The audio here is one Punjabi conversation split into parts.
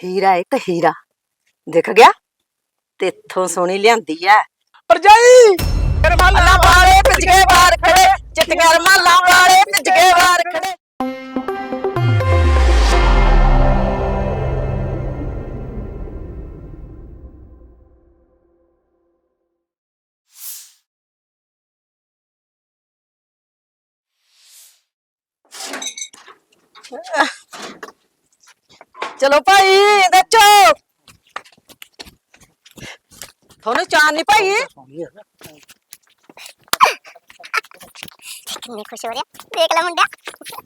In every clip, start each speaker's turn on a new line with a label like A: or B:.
A: हीरा एक हीरा दिख गया तेथों सोनी लियांदी है
B: परजाई
A: माला वाले पिज के बाहर खड़े चिट्टियां माला वाले पिज के बाहर खड़े। चलो भाई दचो थोनू चान नहीं भाई
C: कितनी खुश हो रही है देख ला मुंडा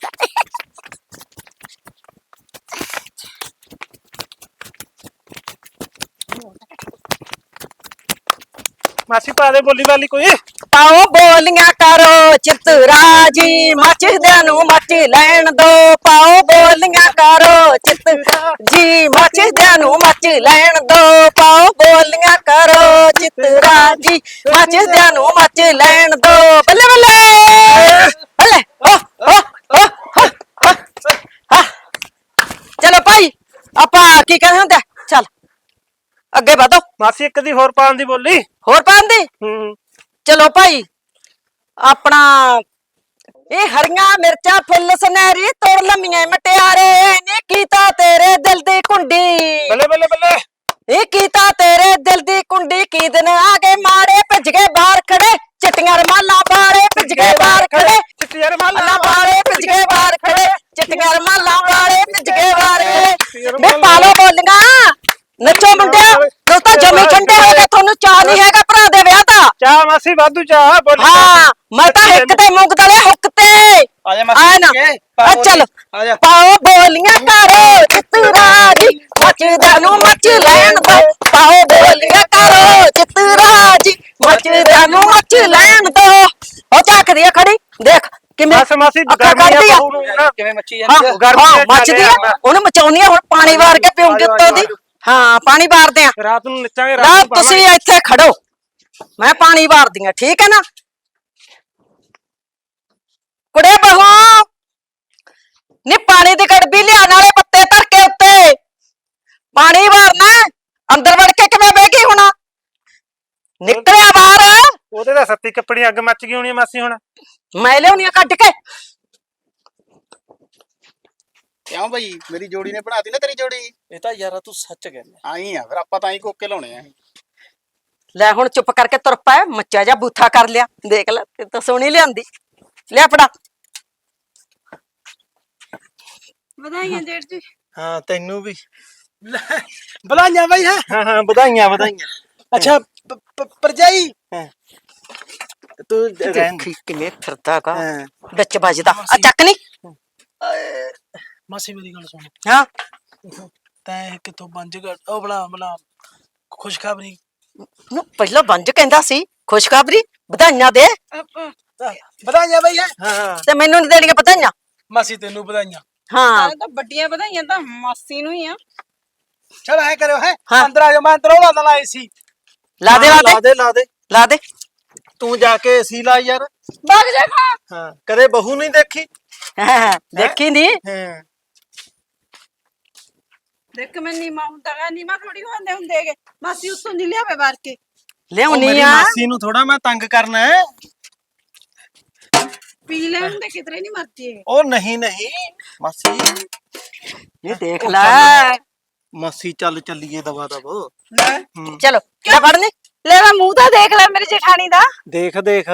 B: मासी पा दे बोली वाली कोई
A: आओ बोलियां करो चितराजी मचदे नू मच लैन दो पाओ बोलियां करो चितराजी मचदे नू मच लैन दो पाओ बोलियां करो चितराजी मचदे नू मच लैन दो बल्ले बल्ले बल्ले ओ ओ ओ ओ चलो भाई आपा की कहंदे हुंदे चल अगे बढ़ो
B: मासी एक दी होर पान दी बोली
A: होर पान दी चलो भाई अपना ये हरियां मिर्चा फुल सुनहरी तोड़ लम्मियां मटियारे ने कीता तेरे दिल दी कुंडी
B: बल्ले बल्ले बल्ले
A: ये कीता तेरे दिल दी कुंडी की दिन आगे मारे भज गए बाहर खड़े चिट्टियां रमाला बाड़े भज गए बाहर खड़े
B: चिट्टियां
A: माला बाड़े भज गए बाहर खड़े चिट्टियां रमाला बाड़े भज गए बाहर खड़े बे पालो बोलियां नचो मुंडिया तू तो जमी ठंडे हो गए थानू चाह नहीं हैगा भरा दे विआह दा
B: चाह मासी वाधू चाह बोली
A: हाँ मैं तो एक ते मुंग दले हुकते
B: आजा मासी
A: ना चल पाओ बोलियां करो चितराजी मचदे नू मच लैन दो पाओ बोलियां करो चितराजी मचदे नू मच लैन दो ओ झाकदी है खड़ी देख किवें
B: बस मासी
A: अक्खां कढदी आ
B: किवें मच्छी
A: हाँ
B: गर्मी
A: मचदी है ओनू मचाउनी है हुण पानी वार के पीऊंगी उत्तों दी हाँ पानी वारदे आ
B: रात नूं नचांगे
A: ना तुसी इत्थे खड़ो मैं पानी वारदी आ ठीक है ना कुड़े बहू नी पानी दी गड़बी लिया नाले पत्ते धर के उत्ते पानी वारना अंदर वड़ के किवें बह गई हुण निकलिया बाहर
B: ओदे दा सत्ती कपड़ी अग मच गई होनी मासी हुण
A: मैं लियाउनी कट के
D: क्यों भाई मेरी जोड़ी ने बनाती ना तेरी जोड़ी
B: ਇਹ ਤਾਂ ਯਾਰਾ ਤੂੰ ਸੱਚ ਕਹਿੰਦਾ
D: आई है फिर ਆਪਾਂ ਤਾਂ ਹੀ ਕੋਕੇ ਲਾਉਣੇ ਆ
A: ਲੈ ਹੁਣ ਚੁੱਪ ਕਰਕੇ ਤੁਰ ਪੈ ਮੱਚਾ ਜਾ ਬੂਥਾ ਕਰ ਲਿਆ ਦੇਖ ਲੈ ਤੇ ਤਾਂ ਸੋਹਣੀ ਲਿਆਂਦੀ ਲਿਆ ਫੜਾ
E: ਵਧਾਈਆਂ ਜੇਠ ਜੀ
B: ਹਾਂ ਤੈਨੂੰ ਵੀ
D: ਬਲਾਈਆਂ ਭਾਈ ਹੈ
B: ਹਾਂ ਹਾਂ ਵਧਾਈਆਂ ਵਧਾਈਆਂ
D: ਅੱਛਾ ਪਰਜਾਈ
B: ਤੂੰ
A: ਦੇਖੀ ਕਿਵੇਂ ਫਿਰਦਾ ਗਾ
B: ਹਾਂ
A: ਵਿੱਚ ਵੱਜਦਾ ਆ ਚੱਕ ਨਹੀਂ
F: ਮਾਸੀ ਮੇਰੀ ਗੱਲ ਸੁਣ
A: ਹਾਂ
F: ਤੈਂ ਕਿੱਥੋਂ ਬੰਜ ਉਹ ਬਣਾ ਖੁਸ਼ਖਬਰੀ
A: ਨੂੰ ਪਹਿਲਾਂ ਬੰਜ ਕਹਿੰਦਾ ਸੀ ਖੁਸ਼ਖਬਰੀ ਵਧਾਈਆਂ ਦੇ
F: ਵਧਾਈਆਂ ਬਈ ਹੈ
B: ਹਾਂ
A: ਤੇ ਮੈਨੂੰ ਨਹੀਂ ਦੇਣੀਆਂ ਵਧਾਈਆਂ
F: ਮਾਸੀ ਤੈਨੂੰ ਵਧਾਈਆਂ
A: ਹਾਂ
E: ਤਾਂ ਵੱਡੀਆਂ ਵਧਾਈਆਂ ਤਾਂ ਮਾਸੀ ਨੂੰ ਹੀ ਆ
F: ਚਲ ਐ ਕਰਿਓ ਹੈ
A: ਹਾਂ।
F: ਅੰਦਰ ਆ ਜਾ ਮੈਂ ਅੰਦਰ ਉਹ ਲਾਈ ਸੀ
A: ਲਾ ਦੇ ਲਾ
B: ਲਾ
A: ਦੇ
B: ਦੇ ਲਾ ਦੇ
A: ਲਾ ਦੇ
B: ਤੂੰ ਜਾ ਕੇ ਏਸੀ ਲਾ ਯਾਰ
E: ਭੱਗ ਜਾ ਮਾਂ
B: ਹਾਂ ਕਦੇ ਬਹੂ ਨਹੀਂ ਦੇਖੀ
A: ਦੇਖੀ ਨਹੀਂ
B: ਹਾਂ
E: ਦੇਖ ਮੈਂ ਨੀਮਾ ਹੁੰਦਾ ਗਾ ਨੀਮਾ ਥੋੜੀ ਹੁੰਦੇ ਹੁੰਦੇਗੇ ਮਾਸੀ ਉੱਥੋਂ ਨਹੀਂ ਲਿਆਵੇ ਵਾਰ ਕੇ
A: ਲਿਆਉਣੀ
B: ਮੇਰੀ
A: ਆ
B: ਮਾਸੀ ਨੂੰ ਥੋੜਾ ਮੈਂ ਤੰਗ ਕਰਨਾ ਹੈ
E: ਪੀ ਲੈ ਹੁੰਦੇ ਕਿਧਰੇ ਨਹੀਂ ਮਰਦੀ ਇਹ
B: ਉਹ ਨਹੀਂ ਨਹੀਂ ਮਾਸੀ
A: ਇਹ ਦੇਖ ਲੈ
B: ਮਾਸੀ ਚੱਲ ਚੱਲੀਏ ਦਵਾ ਦਵ
E: ਲੈ
A: ਚਲੋ ਲੈ ਫੜਨੀ
E: ਲੈ ਮੈਂ ਮੂੰਹ ਤਾਂ ਦੇਖ ਲੈ ਮੇਰੀ ਜਠਾਣੀ ਦਾ
B: ਦੇਖ ਦੇਖ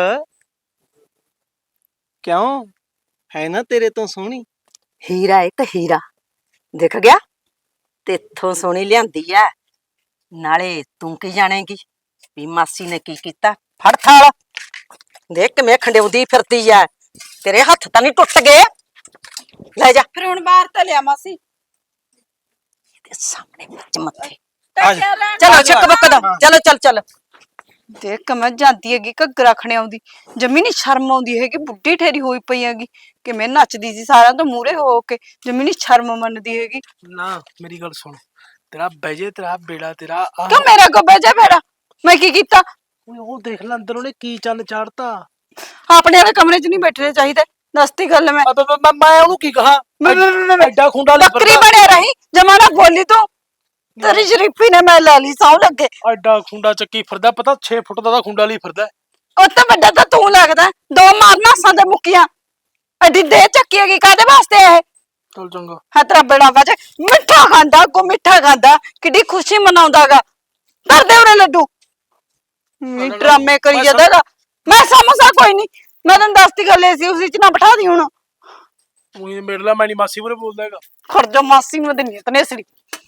B: ਕਿਉਂ ਹੈ ਨਾ ਤੇਰੇ ਤੋਂ ਸੋਹਣੀ
A: ਹੀਰਾ ਇੱਕ ਹੀਰਾ ਦਿਖ ਗਿਆ ਤੇਥੋਂ ਸੋਹਣੀ ਲਿਆਂਦੀ ਐ ਨਾਲੇ ਤੂੰ ਕੀ ਜਾਣੇਗੀ ਵੀ ਮਾਸੀ ਨੇ ਕੀ ਕੀਤਾ ਫੜ ਥਾਲ ਦੇਖ ਕਿਵੇਂ ਖੰਡਿਆਉਂਦੀ ਫਿਰਦੀ ਐ ਤੇਰੇ ਹੱਥ ਤਾਂ ਨਹੀਂ ਟੁੱਟ ਗਏ ਲੈ ਜਾ
E: ਫਿਰ ਹੁਣ ਬਾਹਰ ਤਾਂ ਲਿਆ ਮਾਸੀ
A: ਇਹਦੇ ਸਾਹਮਣੇ ਮੱਚ ਮੱਥੇ
E: ਤਾਂ ਕਿਆ ਲੈਣ
A: ਚਲੋ ਚੱਕ ਬੱਕ ਦਾ ਚਲੋ ਚੱਲ ਚੱਲ
E: ਦੇਖ ਮੈਂ ਜਾਂਦੀ ਹੈਗੀ ਘੱਗਰਾ ਖਣੇ ਆਉਂਦੀ ਜਮੀ ਨੀ ਸ਼ਰਮ ਆਉਂਦੀ ਹੈਗੀ ਬੁੱਢੀ ਠੇਰੀ ਹੋਈ ਪਈ ਹੈਗੀ ਕਿਵੇਂ ਨੱਚਦੀ ਸੀ ਸਾਰਿਆਂ ਤੋਂ ਮੂਹਰੇ ਹੋ ਕੇ ਜਮੀ ਨੀ ਸ਼ਰਮ ਮੰਨਦੀ ਹੈਗੀ
F: ਨਾ ਮੇਰੀ ਗੱਲ ਸੁਣ ਤੇਰਾ ਬੈਜੇ ਤੇਰਾ ਬੇੜਾ ਤੇਰਾ
E: ਕਿਉਂ ਮੇਰਾ ਕੋ ਬੈਜਾ ਫੇਰਾ ਮੈਂ ਕੀ ਕੀਤਾ
F: ਉਹ ਦੇਖ ਲੈ ਅੰਦਰ ਉਹਨੇ ਕੀ ਚੰਨ ਚਾੜਤਾ
E: ਆਪਣੇ ਵਾਲੇ ਕਮਰੇ 'ਚ ਨਹੀਂ ਬੈਠਣੇ ਚਾਹੀਦੇ ਦੱਸਤੀ ਗੱਲ ਮੈਂ
F: ਮੈਂ ਉਹਨੂੰ ਕੀ ਕਹਾ ਐਡਾ ਖੁੰਡਾ
E: ਬੱਕਰੀ ਬਣੇ ਰਹੀ ਜਮਾਨਾ ਬੋਲੀ ਤੂੰ ਤੇਰੀ ਸ਼ਰੀਫੀ ਨੇ ਮੈਂ ਲੈ ਲਈ ਸੌ ਲੱਗੇ।
F: ਐਡਾ ਖੁੰਡਾ ਚੱਕੀ ਫਿਰਦਾ, ਪਤਾ 6 ਫੁੱਟ ਦਾ ਖੁੰਡਾ ਲਈ ਫਿਰਦਾ।
E: ਉਹ ਤਾਂ ਵੱਡਾ ਤਾਂ ਤੂੰ ਲੱਗਦਾ, ਦੋ ਮਾਰਨਾ ਸਾਂ ਮੁੱਕੀਆਂ। ਐਡੀ ਦੇ ਚੱਕੀ ਹੈਗੀ ਕਾਹਦੇ ਵਾਸਤੇ ਇਹ?
F: ਚੱਲ ਚੰਗਾ।
E: ਹਾਂ ਤੇਰਾ ਬੇੜਾ ਵਜੇ ਮਿੱਠਾ ਖਾਂਦਾ, ਕੋ ਮਿੱਠਾ ਖਾਂਦਾ, ਕਿੱਡੀ ਖੁਸ਼ੀ ਮਨਾਉਂਦਾਗਾ। ਕਰਦੇ ਉਹਨੇ ਲੱਡੂ ਡਰਾਮੇ ਕਰੀ ਜਾਂਦਾਗਾ। ਮੈਂ ਸਮਝਦਾ ਕੋਈ ਨਹੀਂ, ਮੈਂ ਤੈਨੂੰ ਦੱਸਤੀ ਗੱਲ ਸੀ, ਉਸੇ ਚ ਨਾ ਬਿਠਾ ਦੀ ਹੁਣ।
F: ਤੂੰ ਹੀ ਮੇਰੇ ਨਾਲ, ਮੈਂ ਨਹੀਂ ਮਾਸੀ ਬਾਰੇ ਬੋਲਦਾ ਹੈਗਾ।
E: ਖਰਜਾ ਮਾਸੀ ਨੂੰ ਦਿੰਨੀ ਤਨੇਸੜੀ।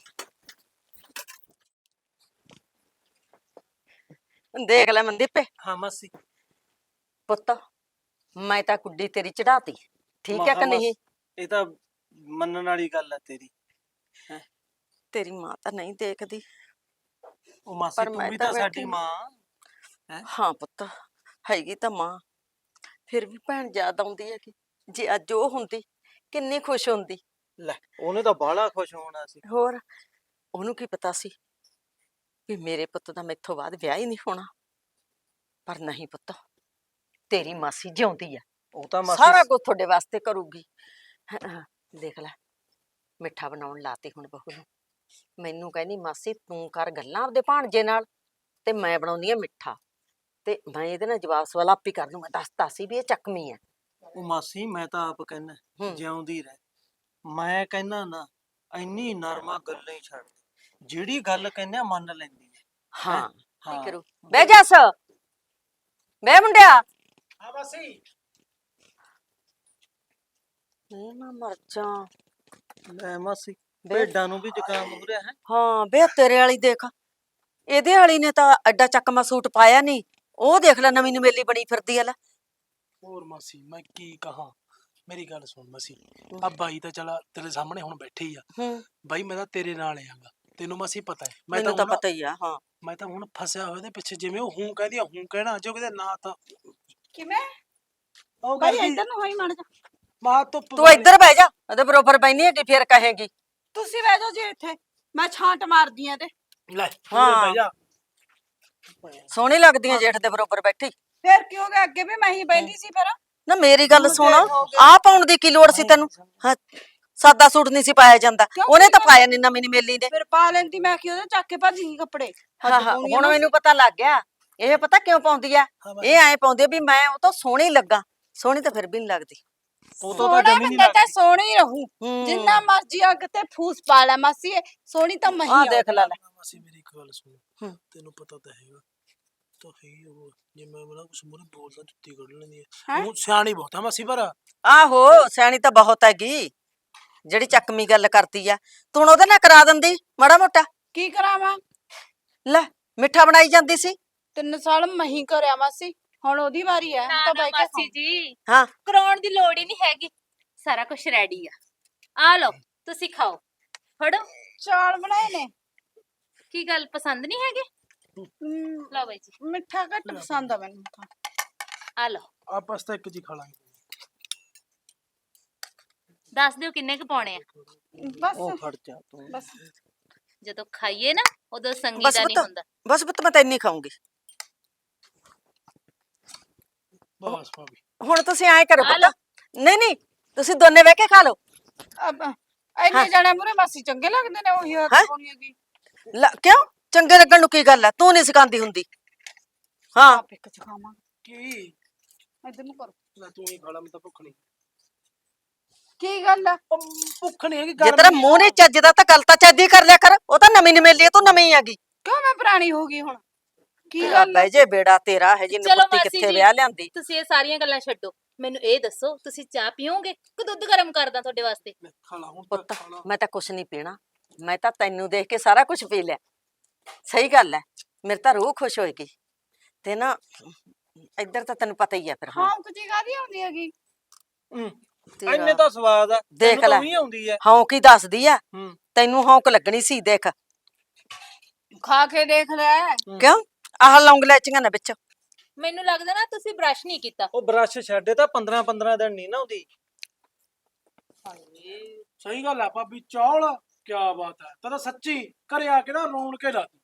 A: ਦੇਖ ਲੈ ਮਨਦੀਪੇ
B: ਹਾਂ ਮਾਸੀ।
A: ਪੁੱਤ, ਮੈਂ ਤਾਂ ਕੁੱਡੀ ਤੇਰੀ ਚੜਾਤੀ, ਠੀਕ ਹੈ ਕਿ ਨਹੀਂ?
B: ਇਹ ਤਾਂ ਮੰਨਣ ਵਾਲੀ ਗੱਲ ਹੈ ਤੇਰੀ।
A: ਤੇਰੀ ਮਾਂ ਤਾਂ ਨਹੀਂ ਦੇਖਦੀ।
B: ਉਹ ਮਾਸੀ
A: ਪਰ
B: ਤੂੰ
A: ਮੈਂ
B: ਵੀ
A: ਤਾਂ
B: ਤਾਂ ਸਾਡੀ
A: ਬੈਠੀ।
B: ਮਾਂ।
A: ਹਾਂ ਪੁੱਤ, ਹੈਗੀ ਤਾਂ ਮਾਂ, ਫਿਰ ਵੀ ਭੈਣ ਯਾਦ ਆਉਂਦੀ ਹੈ ਕਿ ਜੇ ਅੱਜ ਉਹ ਹੁੰਦੀ ਕਿੰਨੀ ਖੁਸ਼ ਹੁੰਦੀ।
B: ਲੈ ਉਹਨੇ ਤਾਂ ਬਾਹਲਾ ਖੁਸ਼ ਹੋਣਾ ਸੀ।
A: ਹੋਰ ਉਹਨੂੰ ਕੀ ਪਤਾ ਸੀ ਵੀ ਮੇਰੇ ਪੁੱਤ ਦਾ ਮੈਥੋਂ ਬਾਅਦ ਵਿਆਹ ਹੀ ਨਹੀਂ ਹੋਣਾ। ਪਰ ਨਹੀਂ ਪੁੱਤ, ਤੇਰੀ ਮਾਸੀ ਜਿਉਂਦੀ ਆ,
B: ਉਹ ਤਾਂ
A: ਸਾਰਾ
B: ਮਾਸੀ
A: ਕੁਝ ਤੁਹਾਡੇ ਵਾਸਤੇ ਕਰੂਗੀ। ਦੇਖ ਲੈ, ਮਿੱਠਾ ਬਣਾਉਣ ਲਾਤੀ ਹੁਣ ਬਹੂ ਨੂੰ। ਮੈਨੂੰ ਕਹਿੰਦੀ ਮਾਸੀ ਤੂੰ ਕਰ ਗੱਲਾਂ ਆਪਦੇ ਭਾਣਜੇ ਨਾਲ ਤੇ ਮੈਂ ਬਣਾਉਂਦੀ ਆ ਮਿੱਠਾ, ਤੇ ਮੈਂ ਇਹਦੇ ਨਾਲ ਜਵਾਬ ਸਵਾਲ ਆਪੀ ਕਰ ਲੂ। ਮੈਂ ਦੱਸਤਾ ਸੀ ਵੀ ਇਹ ਚੱਕਮੀ ਆ।
B: ਉਹ ਮਾਸੀ ਮੈਂ ਤਾਂ ਆਪ ਕਹਿਣਾ
A: ਹੂੰ।
B: ਜਿਉਂਦੀ ਰਹਿ। ਮੈਂ ਕਹਿਣਾ ਨਾ, ਇੰਨੀ ਨਰਮਾ ਗੱਲਾਂ ਹੀ ਛੱਡ, ਜਿਹੜੀ ਗੱਲ ਕਹਿੰਦੇ ਆ ਮੰਨ ਲੈਂਦੀ ਹੈ।
A: ਹਾਂ ਕੀ
B: ਹਾਂ।
A: ਕਰੂ? ਬਹਿ ਜਾ ਬਹਿ ਮੁੰਡਿਆ।
F: ਹਾਂ ਮਾਸੀ।
A: ਇਹ ਨਾ ਮਰ ਜਾ।
B: ਲੈ ਮਾਸੀ,
A: ਬੇ-
B: ਭੇਡਾਂ ਨੂੰ ਵੀ ਜ਼ੁਕਾਮ ਹੋ ਰਿਹਾ ਹੈ।
A: ਹਾਂ ਬੇ ਤੇਰੇ ਵਾਲੀ ਦੇਖ, ਇਹਦੇ ਵਾਲੀ ਨੇ ਤਾਂ ਐਡਾ ਚੱਕਮਾ ਸੂਟ ਪਾਇਆ ਨਹੀਂ। ਉਹ ਦੇਖ ਲੈ ਨਵੀਂ ਨਵੇਲੀ ਬਣੀ ਫਿਰਦੀ ਆ ਲੈ।
F: ਹੋਰ ਮਾਸੀ ਮੈਂ ਕੀ ਕਹਾਂ, ਮੇਰੀ ਗੱਲ ਸੁਣ ਮਾਸੀ। ਆ ਬਾਈ ਤਾਂ ਚਲਾ ਤੇਰੇ ਸਾਹਮਣੇ ਹੁਣ ਬੈਠੇ ਹੀ ਆ।
A: ਹੂੰ,
F: ਬਾਈ ਮੈਂ ਤਾਂ ਤੇਰੇ ਨਾਲ ਆਂਗਾ, ਤੈਨੂੰ ਮਾਸੀ ਪਤਾ ਹੈ।
A: ਮੈਨੂੰ ਤਾਂ ਪਤਾ ਹੀ ਆ। ਹਾਂ
F: ਮੈਂ ਤਾਂ ਹੁਣ ਫਸਿਆ ਹੋਇਆ ਇਹਦੇ ਪਿੱਛੇ, ਜਿਵੇਂ ਉਹ ਹੂੰ ਕਹਿੰਦੀ ਆ ਹੂੰ ਕਹਿਣਾ, ਜੋ ਕਿਤੇ ਨਾ ਤਾਂ
E: ਕਿਵੇਂ
F: ਉਹ
E: ਭਾਈ
F: ਕਰਦੀ
E: ਇੱਧਰ ਨੂੰ ਹੋਈ ਮੜ ਜਾ।
F: ਮਾਂ ਧੁੱਪ
A: ਤੂੰ ਇੱਧਰ ਬਹਿ ਜਾ, ਉਹਦੇ ਬਰੋਬਰ ਬੈਣੀ ਹੈਗੀ, ਫੇਰ ਕਹੇਗੀ।
E: ਤੁਸੀਂ ਬਹਿ ਜਾਓ ਜੀ ਇੱਥੇ, ਮੈਂ ਛਾਂਟ ਮਾਰਦੀ ਆ ਤੇ।
F: ਲੈ
A: ਹਾਂ।
F: ਹਾਂ ਬਹਿ ਜਾ।
A: ਸੋਹਣੀ ਲੱਗਦੀ ਹੈ ਜੇਠ ਦੇ ਬਰੋਬਰ ਬੈਠੀ।
E: ਫੇਰ ਕੀ ਹੋ ਗਿਆ, ਅੱਗੇ ਵੀ ਮੈਂ ਹੀ ਬੈਠੀ ਸੀ ਫਿਰ।
A: ਨਾ ਮੇਰੀ ਗੱਲ ਸੁਣ,
E: ਦੇਰ ਹੋ ਗਈ।
A: ਆਹ ਪਾਉਣ ਦੀ ਕੀ ਲੋੜ ਸੀ ਤੈਨੂੰ? ਹਾਂ, ਸਾਦਾ ਸੂਟ ਨਹੀਂ ਸੀ ਪਾਇਆ ਜਾਂਦਾ,
E: ਕਿਉਂ
A: ਉਹਨੇ ਤਾਂ
E: ਨਹੀਂ
A: ਪਾਇਆ ਨੀ ਨਵੀਂ ਮੇਲੀ ਨੇ।
E: ਫਿਰ ਪਾ ਲੈਂਦੀ ਮੈਂ, ਕਿ ਉਹਦੇ ਚੱਕ ਕੇ ਭੱਜ ਗਈ ਕੱਪੜੇ।
A: ਹਾਂ ਹਾਂ, ਹੁਣ ਮੈਨੂੰ ਪਤਾ ਲੱਗ ਗਿਆ ਇਹ ਪਤਾ ਕਿਉਂ ਪਾਉਂਦੀ ਆ।
F: ਹਾਂ ਮਾਸੀ।
A: ਇਹ ਐਂ ਪਾਉਂਦੀ ਆ ਵੀ ਮੈਂ ਉਹ ਤੋਂ ਸੋਹਣੀ ਲੱਗਾ। ਸੋਹਣੀ ਤਾਂ ਫਿਰ ਵੀ ਨਹੀਂ ਲੱਗਦੀ।
B: ਉਹ ਤੋਂ ਤਾਂ
E: ਸੋਹਣਾ
B: ਜਮੀ ਨਹੀਂ
E: ਬੰਦਾ ਤਾਂ
B: ਲੱਗਦੀ।
E: ਸੋਹਣੀ ਰਹੂ,
A: ਹੂੰ।
E: ਜਿੰਨਾ ਮਰਜੀ ਅੱਗ ਤੇ ਫੂਸ ਪਾ ਲੈ ਮਾਸੀ, ਸੋਹਣੀ ਤਾਂ ਮੈਂ
A: ਆਹ
E: ਹੀ
A: ਦੇਖ ਲੈ ਲੈ।
F: ਮਾਸੀ ਮੇਰੀ ਇੱਕ ਗੱਲ ਸੁਣ,
A: ਹੂੰ।
F: ਤੈਨੂੰ ਪਤਾ ਤਾਂ ਹੈਗਾ ਤਾਂ ਹੈ ਉਹ, ਜੇ ਮੈਂ ਬਣਾ ਕੁਛ ਮੂਹਰੇ ਬੋਲਦਾ ਜੁੱਤੀ ਕੱਢ ਲੈਂਦੀ ਹੈ।
E: ਹੈਂ?
F: ਉਹ ਸਿਆਣੀ ਬਹੁਤ ਆ ਮਾਸੀ ਪਰ।
A: ਆਹੋ ਸਿਆਣੀ ਤਾਂ ਬਹੁਤ ਹੈਗੀ, ਜਿਹੜੀ ਚੱਕਮੀ ਗੱਲ ਕਰਦੀ ਆ। ਤੂੰ ਹੁਣ ਉਹਦੇ ਨਾਲ ਕਰਾ ਦਿੰਦੀ ਮਾੜਾ ਮੋਟਾ।
E: ਕੀ ਕਰਾਵਾਂ,
A: ਲੈ ਮਿੱਠਾ ਬਣਾਈ ਜਾਂਦੀ ਸੀ।
E: 3 ਸਾਲ ਮੈਂ ਹੀ ਕਰਿਆ ਮਾਸੀ, ਹੁਣ ਉਹਦੀ ਵਾਰੀ ਹੈ।
G: ਨਾ
E: ਤਾਂ
G: ਨਾ
E: ਬਾਈ ਕੇ
G: ਮਾਸੀ ਜੀ,
A: ਹਾਂ
G: ਕਰਾਉਣ ਦੀ ਲੋੜ ਹੀ ਨਹੀਂ ਹੈਗੀ, ਸਾਰਾ ਕੁਝ ਰੈਡੀ ਆ ਲਓ ਤੁਸੀਂ ਖਾਓ, ਫੜੋ।
E: ਚਾਲ ਬਣਾਏ ਨੇ।
G: ਕੀ ਗੱਲ ਪਸੰਦ ਨਹੀਂ ਹੈਗੇ? ਲਓ ਬਾਈ ਜੀ,
E: ਮਿੱਠਾ ਘੱਟ ਪਸੰਦ ਆ ਮੈਨੂੰ ਤਾਂ।
G: ਆ ਲਓ,
F: ਆਪਸ ਤਾਂ ਇੱਕ ਜੀ ਖਾ ਲਾਂਗੇ।
G: ਦੱਸ ਦਿਓ ਕਿੰਨੇ ਕੁ ਪਾਉਣੇ ਆ।
E: ਬਸ
B: ਉਹ ਖੜ ਜਾ ਤੂੰ।
E: ਬਸ
G: ਜਦੋਂ ਖਾਈਏ ਨਾ ਉਦੋਂ ਸੰਗੀ
A: ਬਸ
G: ਦਾ ਨਹੀਂ
A: ਪੁੱਤ,
G: ਹੁੰਦਾ।
A: ਬਸ ਪੁੱਤ ਮੈਂ ਤਾਂ ਇੰਨੀ ਖਾਊਂਗੀ।
F: ਬਸ ਭਾਬੀ।
A: ਹੁਣ ਤੁਸੀਂ ਐਂ ਕਰੋ
G: ਆ ਲਓ।
A: ਪੁੱਤ, ਨਹੀਂ ਨਹੀਂ ਤੁਸੀਂ ਦੋਨੇ ਬਹਿ ਕੇ ਖਾ ਲਓ।
E: ਅਬ ਇੰਨੇ ਜਾਣੇ ਮੂਰੇ ਮਾਸੀ ਚੰਗੇ ਲੱਗਦੇ ਨੇ, ਉਹੀ ਹੱਥ
A: ਹੈਂ?
E: ਪਾਉਣੀ ਹੈਗੀ।
A: ਕਿਉਂ ਚੰਗੇ ਲੱਗਣ ਨੂੰ ਕੀ ਗੱਲ ਆ? ਤੂੰ ਨਹੀਂ ਸਿਖਾਉਂਦੀ ਹੁੰਦੀ। ਹਾਂ
E: ਆਪ ਇੱਕ ਚ ਖਾਵਾਂ,
F: ਕੀ
E: ਇੱਧਰ ਨੂੰ ਕਰੋ।
F: ਲੈ ਤੂੰ ਹੀ ਖਾ ਲਾ, ਮੈਂ ਤਾਂ ਭੁੱਖ ਨਹੀਂ।
E: ਕੀ ਗੱਲ ਆ?
F: ਭੁੱਖ ਨਹੀਂ ਹੈਗੀ
A: ਜੇ ਤੇਰਾ ਮੂੰਹ ਨਹੀਂ ਚੱਜਦਾ ਤਾਂ ਗੱਲ ਤਾਂ ਚੱਜ ਦੀ ਕਰ ਲਿਆ ਕਰ। ਉਹ ਤਾਂ ਨਵੀਂ ਨਵੇਲੀ, ਤੂੰ ਨਵੀਂ ਆਗੀ।
E: ਕਿਉਂ ਮੈਂ ਪੁਰਾਣੀ ਹੋ ਗਈ ਹੁਣ? ਕੀ
A: ਤੇਰਾ
E: ਗੱਲ ਆ?
A: ਬਹਿ ਜੇ ਬੇੜਾ ਤੇਰਾ ਹੈ, ਜਿੰਨ
G: ਚਲੋ
A: ਪੁੱਤੀ
G: ਮਾਸੀ
A: ਕਿੱਥੇ
G: ਜੀ।
A: ਵਿਆਹ ਲਿਆਂਦੀ।
G: ਤੁਸੀਂ ਇਹ ਸਾਰੀਆਂ ਗੱਲਾਂ ਛੱਡੋ, ਮੈਨੂੰ ਇਹ ਦੱਸੋ ਤੁਸੀਂ ਚਾਹ ਪੀਓਗੇ ਕਿ ਦੁੱਧ ਗਰਮ ਕਰਦਾ ਤੁਹਾਡੇ ਵਾਸਤੇ?
F: ਖਾ ਲਾ ਹੁਣ ਤਾਂ
A: ਪੁੱਤ
F: ਖਾ ਲਾ।
A: ਮੈਂ ਤਾਂ ਕੁਛ ਨਹੀਂ ਪੀਣਾ, ਮੈਂ ਤਾਂ ਤੈਨੂੰ ਦੇਖ ਕੇ ਸਾਰਾ ਕੁਝ ਪੀ ਲਿਆ। ਸਹੀ ਗੱਲ ਹੈ, ਮੇਰੇ ਤਾਂ ਰੂਹ ਖੁਸ਼ ਹੋਏਗੀ। ਤੇ ਨਾ ਇੱਧਰ ਤਾਂ ਤੈਨੂੰ ਪਤਾ ਹੀ ਆ ਫਿਰ।
E: ਹਾਂ ਕੁਝ ਕਾਦੀ ਆਉਂਦੀ ਹੈਗੀ।
B: ਇੰਨੇ ਤਾਂ ਸਵਾਦ ਆ,
A: ਦੇਖ
B: ਤੈਨੂੰ ਤਾਂ
A: ਲੈ।
B: ਵੀ ਆਉਂਦੀ ਹੈ।
A: ਹੌਂਕ ਹੀ ਦੱਸਦੀ ਆ,
B: ਹੂੰ।
A: ਤੈਨੂੰ ਹੌਂਕ ਲੱਗਣੀ ਸੀ। ਦੇਖ
E: ਖਾ ਕੇ ਦੇਖ ਲੈ।
A: ਕਿਉਂ ਆਹ ਲੌਂਗ ਲੈਚੀਆਂ ਨੇ ਵਿੱਚ।
G: ਮੈਨੂੰ ਲੱਗਦਾ ਨਾ ਤੁਸੀਂ ਬ੍ਰਸ਼ ਨਹੀਂ ਕੀਤਾ।
B: ਉਹ ਬ੍ਰਸ਼ ਛੱਡੇ ਤਾਂ 15 ਦਿਨ ਨਹੀਂ ਨਾ ਆਉਂਦੀ।
F: ਸਹੀ ਗੱਲ ਆ ਭਾਬੀ, ਚੌਲ ਕੀ ਬਾਤ ਹੈ। ਤਾਂ ਸੱਚੀ ਘਰੇ ਆ ਕੇ ਨਾ ਰੋਣ ਕੇ ਲਾ ਦੂੰ।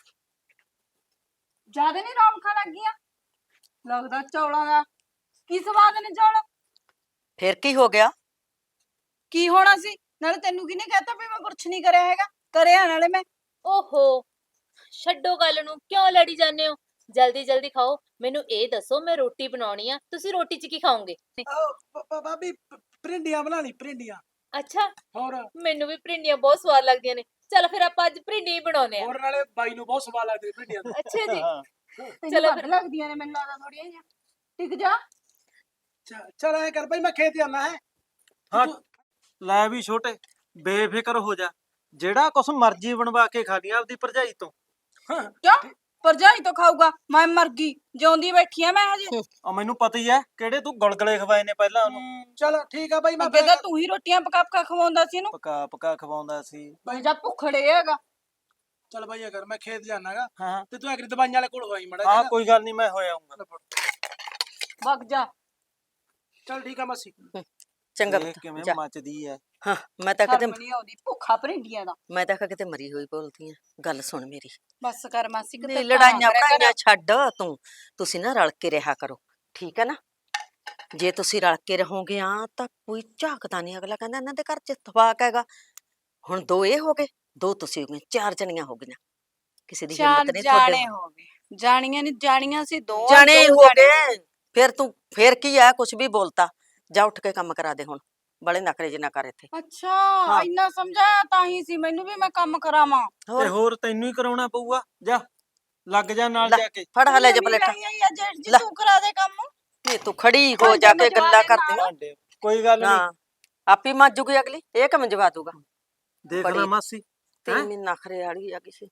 E: ਜਿਆਦਾ ਨਹੀਂ ਰੌਣਕਾਂ ਲੱਗੀਆਂ, ਲੱਗਦਾ ਚੌਲਾਂ ਦਾ ਕੀ ਸਵਾਦ ਨੇ ਚੌਲ।
A: ਫਿਰ ਕੀ ਹੋ ਗਿਆ?
E: ਕੀ ਹੋਣਾ ਸੀ? ਨਾਲੇ ਤੈਨੂੰ ਕਿਹਨੇ ਕਹਿਤਾ ਵੀ ਮੈਂ ਕੁਛ ਨਹੀਂ ਕਰਿਆ ਹੈਗਾ? ਕਰਿਆ ਨਾਲੇ ਮੈਂ।
G: ਓਹੋ, ਛੱਡੋ ਗੱਲ ਨੂੰ, ਕਿਉਂ ਲੜੀ ਜਾਂਦੇ ਹੋ? ਜਲਦੀ ਜਲਦੀ ਖਾਓ। ਮੈਨੂੰ ਇਹ ਦੱਸੋ, ਮੈਂ ਰੋਟੀ ਬਣਾਉਣੀ ਆ, ਤੁਸੀਂ ਰੋਟੀ 'ਚ ਕੀ ਖਾਓਗੇ?
F: ਭਾਬੀ ਭਰਿੰਡੀਆਂ ਬਣਾ ਲਈ, ਭਰਿੰਡੀਆਂ।
G: ਅੱਛਾ,
F: ਹੋਰ
G: ਮੈਨੂੰ ਵੀ ਭਿੰਡੀਆਂ ਬਹੁਤ ਸਵਾਦ ਲੱਗਦੀਆਂ ਨੇ। ਚਲ ਫਿਰ ਆਪਾਂ ਅੱਜ ਭਿੰਡੀ ਹੀ ਬਣਾਉਨੇ ਆ।
F: ਹੋਰ ਨਾਲੇ ਬਾਈ ਨੂੰ ਬਹੁਤ ਸਵਾਦ ਲੱਗਦੀ ਭਰਿੰਡੀਆਂ ਤਾਂ।
G: ਅੱਛਾ ਜੀ,
E: ਤੈਨੂੰ
G: ਚਲੋ
E: ਵੱਧ
G: ਫਿਰ।
E: ਲੱਗਦੀਆਂ ਨੇ ਮੈਨੂੰ ਲੱਗਦਾ ਥੋੜੀਆਂ ਜਿਹੀਆਂ। ਟਿਕ ਜਾ।
F: ਚੱਲ ਐ ਕਰ ਬਾਈ, ਮੈਂ ਖੇਤ ਜਾਣਾ ਹੈ।
B: ਹਾਂ ਲੈ ਵੀ ਛੋਟੇ, ਬੇਫਿਕਰ ਹੋ ਜਾ। ਜਿਹੜਾ ਕੁਛ ਮਰਜ਼ੀ ਬਣਵਾ ਕੇ ਖਾ ਲਈ ਆਪਦੀ ਭਰਜਾਈ ਤੋਂ।
E: ਕਿਉਂ? ਭਰਜਾਈ ਤੋਂ ਖਾਊਗਾ? ਮੈਂ ਮਰ ਗਈ, ਜਿਉਂਦੀ ਬੈਠੀ ਆ ਮੈਂ ਹਜੇ।
B: ਆ ਮੈਨੂੰ ਪਤਾ ਹੀ ਹੈ ਕਿਹੜੇ ਤੂੰ ਗੁਲਗਲੇ ਖਵਾਏ ਨੇ ਪਹਿਲਾਂ ਉਹਨੂੰ।
F: ਚਲ ਠੀਕ ਆ ਬਾਈ, ਮੈਂ
E: ਅੱਗੇ ਤਾਂ ਤੂੰ ਹੀ ਰੋਟੀਆਂ ਪਕਾ ਪਕਾ ਖਵਾਉਂਦਾ ਸੀ ਇਹਨੂੰ।
B: ਪਕਾ ਪਕਾ ਖਵਾਉਂਦਾ ਸੀ।
E: ਬਾਈ ਜਾ ਭੁੱਖੜੇ ਹੈਗਾ।
F: ਚੱਲ ਬਾਈ ਅਗਰ ਮੈਂ ਖੇਤ ਜਾਣਾਗਾ
B: ਹਾਂ
F: ਤੇ ਤੂੰ ਅਗਰ ਦਵਾਈਆਂ ਵਾਲੇ ਕੋਲ ਹੋਈ ਮੜਾ
B: ਹਾਂ ਕੋਈ ਗੱਲ ਨਹੀਂ, ਮੈਂ ਹੋਇਆ ਆਉਂਗਾ।
E: ਵਗ ਜਾ।
F: ਚੱਲ ਠੀਕ ਆ ਮਾਸੀ।
A: ਚੰਗਾ
B: ਦੇਖ
A: ਪੁੱਤ
B: ਕਿਵੇਂ
A: ਜਾ।
B: ਮੱਚਦੀ ਹੈ।
A: ਹਾਂ ਮੈਂ ਤਾਂ ਕਿਤੇ
E: ਸ਼ਰਮ ਨਹੀਂ ਆਉਂਦੀ, ਭੁੱਖਾ ਭਰਿੰਡੀਆਂ ਦਾ।
A: ਮੈਂ ਤਾਂ ਕਿਤੇ ਮਰੀ ਹੋਈ ਬੋਲਦੀ ਆ। ਗੱਲ ਸੁਣ ਮੇਰੀ,
E: ਬਸ ਕਰ ਮਾਸੀ,
A: ਨਹੀਂ
E: ਕਿਤੇ
A: ਲੜਾਈਆਂ ਪੜਾਈਆਂ ਛੱਡ ਤੂੰ। ਤੁਸੀਂ ਨਾ ਰਲ ਕੇ ਰਿਹਾ ਕਰੋ, ਠੀਕ ਹੈ ਨਾ? ਜੇ ਤੁਸੀਂ ਰਲ ਕੇ ਰਹੋਗੇ ਆ ਤਾਂ ਕੋਈ ਝਾਕਦਾ ਨਹੀਂ। ਅਗਲਾ ਕਹਿੰਦਾ ਇਹਨਾਂ ਦੇ ਘਰ ਚ ਇਤਫਾਕ ਹੈਗਾ। ਹੁਣ 2 ਇਹ ਹੋ ਗਏ, 2 ਤੁਸੀਂ ਹੋ ਗਏ, 4 ਜਣੀਆਂ ਹੋ ਗਈਆਂ। ਕਿਸੇ ਦੀ ਹਿੰਮਤ
E: ਚਾਰ
A: ਨਹੀਂ ਤੁਹਾਡੇ
E: ਜਾਣੇ ਹੋ ਗਏ। ਜਾਣੀਆਂ ਨਹੀਂ ਜਾਣੀਆਂ ਸੀ, ਦੋ
A: ਜਾਣੇ
E: ਦੋ
A: ਹੋ
E: ਜਾਣੇ।
A: ਗਏ। ਫਿਰ ਕੀ ਆ, ਕੁਛ ਵੀ ਬੋਲਤਾ। ਜਾ ਉੱਠ ਕੇ ਕੰਮ ਕਰਾ ਦੇ ਹੁਣ, ਬੜੇ ਨਖਰੇ ਜਿਹਾ ਨਾ ਕਰ ਇੱਥੇ।
E: ਅੱਛਾ,
A: ਹਾਂ।
E: ਇੰਨਾ ਸਮਝਾਇਆ ਤਾਂ ਹੀ ਸੀ ਮੈਨੂੰ ਵੀ ਮੈਂ ਕੰਮ ਕਰਾਵਾਂ।
B: ਤੇ ਹੋਰ ਤੈਨੂੰ ਹੀ ਕਰਾਉਣਾ ਪਊਗਾ। ਜਾ ਲੱਗ ਜਾ ਨਾਲ
A: ਲੈ,
B: ਜਾ ਕੇ।
A: ਫੜ ਹਲੇ ਜੇ
E: ਨਵੀਂ
A: ਪਲੇਟਾਂ।
E: ਲਾਈ ਆਈ ਆ ਜੇਠ ਜੀ,
A: ਲੈ।
E: ਤੂੰ ਕਰਾ ਦੇ ਕੰਮ।
A: ਇਹ ਤੂੰ ਖੜੀ ਹੋ
E: ਭਾਂਡੇ
A: ਜਾ ਕੇ
E: ਮੰਜਵਾ
A: ਗੱਲਾਂ
E: ਦੇ
A: ਕਰਦੀ
E: ਨਾਲ।
B: ਭਾਂਡੇ ਕੋਈ ਗੱਲ ਨਹੀਂ।
A: ਹਾਂ ਆਪੀ ਮਾਜੂਗੀ ਅਗਲੀ, ਇਹ ਕੰਮ ਜਵਾ ਦੂਗਾ।
B: ਦੇਖ ਲੈ
A: ਬੜੀ
B: ਮਾਸੀ।
A: ਤੇ
B: ਹੈਂ?
A: ਮੈਨੂੰ ਨਖਰੇ ਵਾਲੀ ਆ ਕਿਸੇ।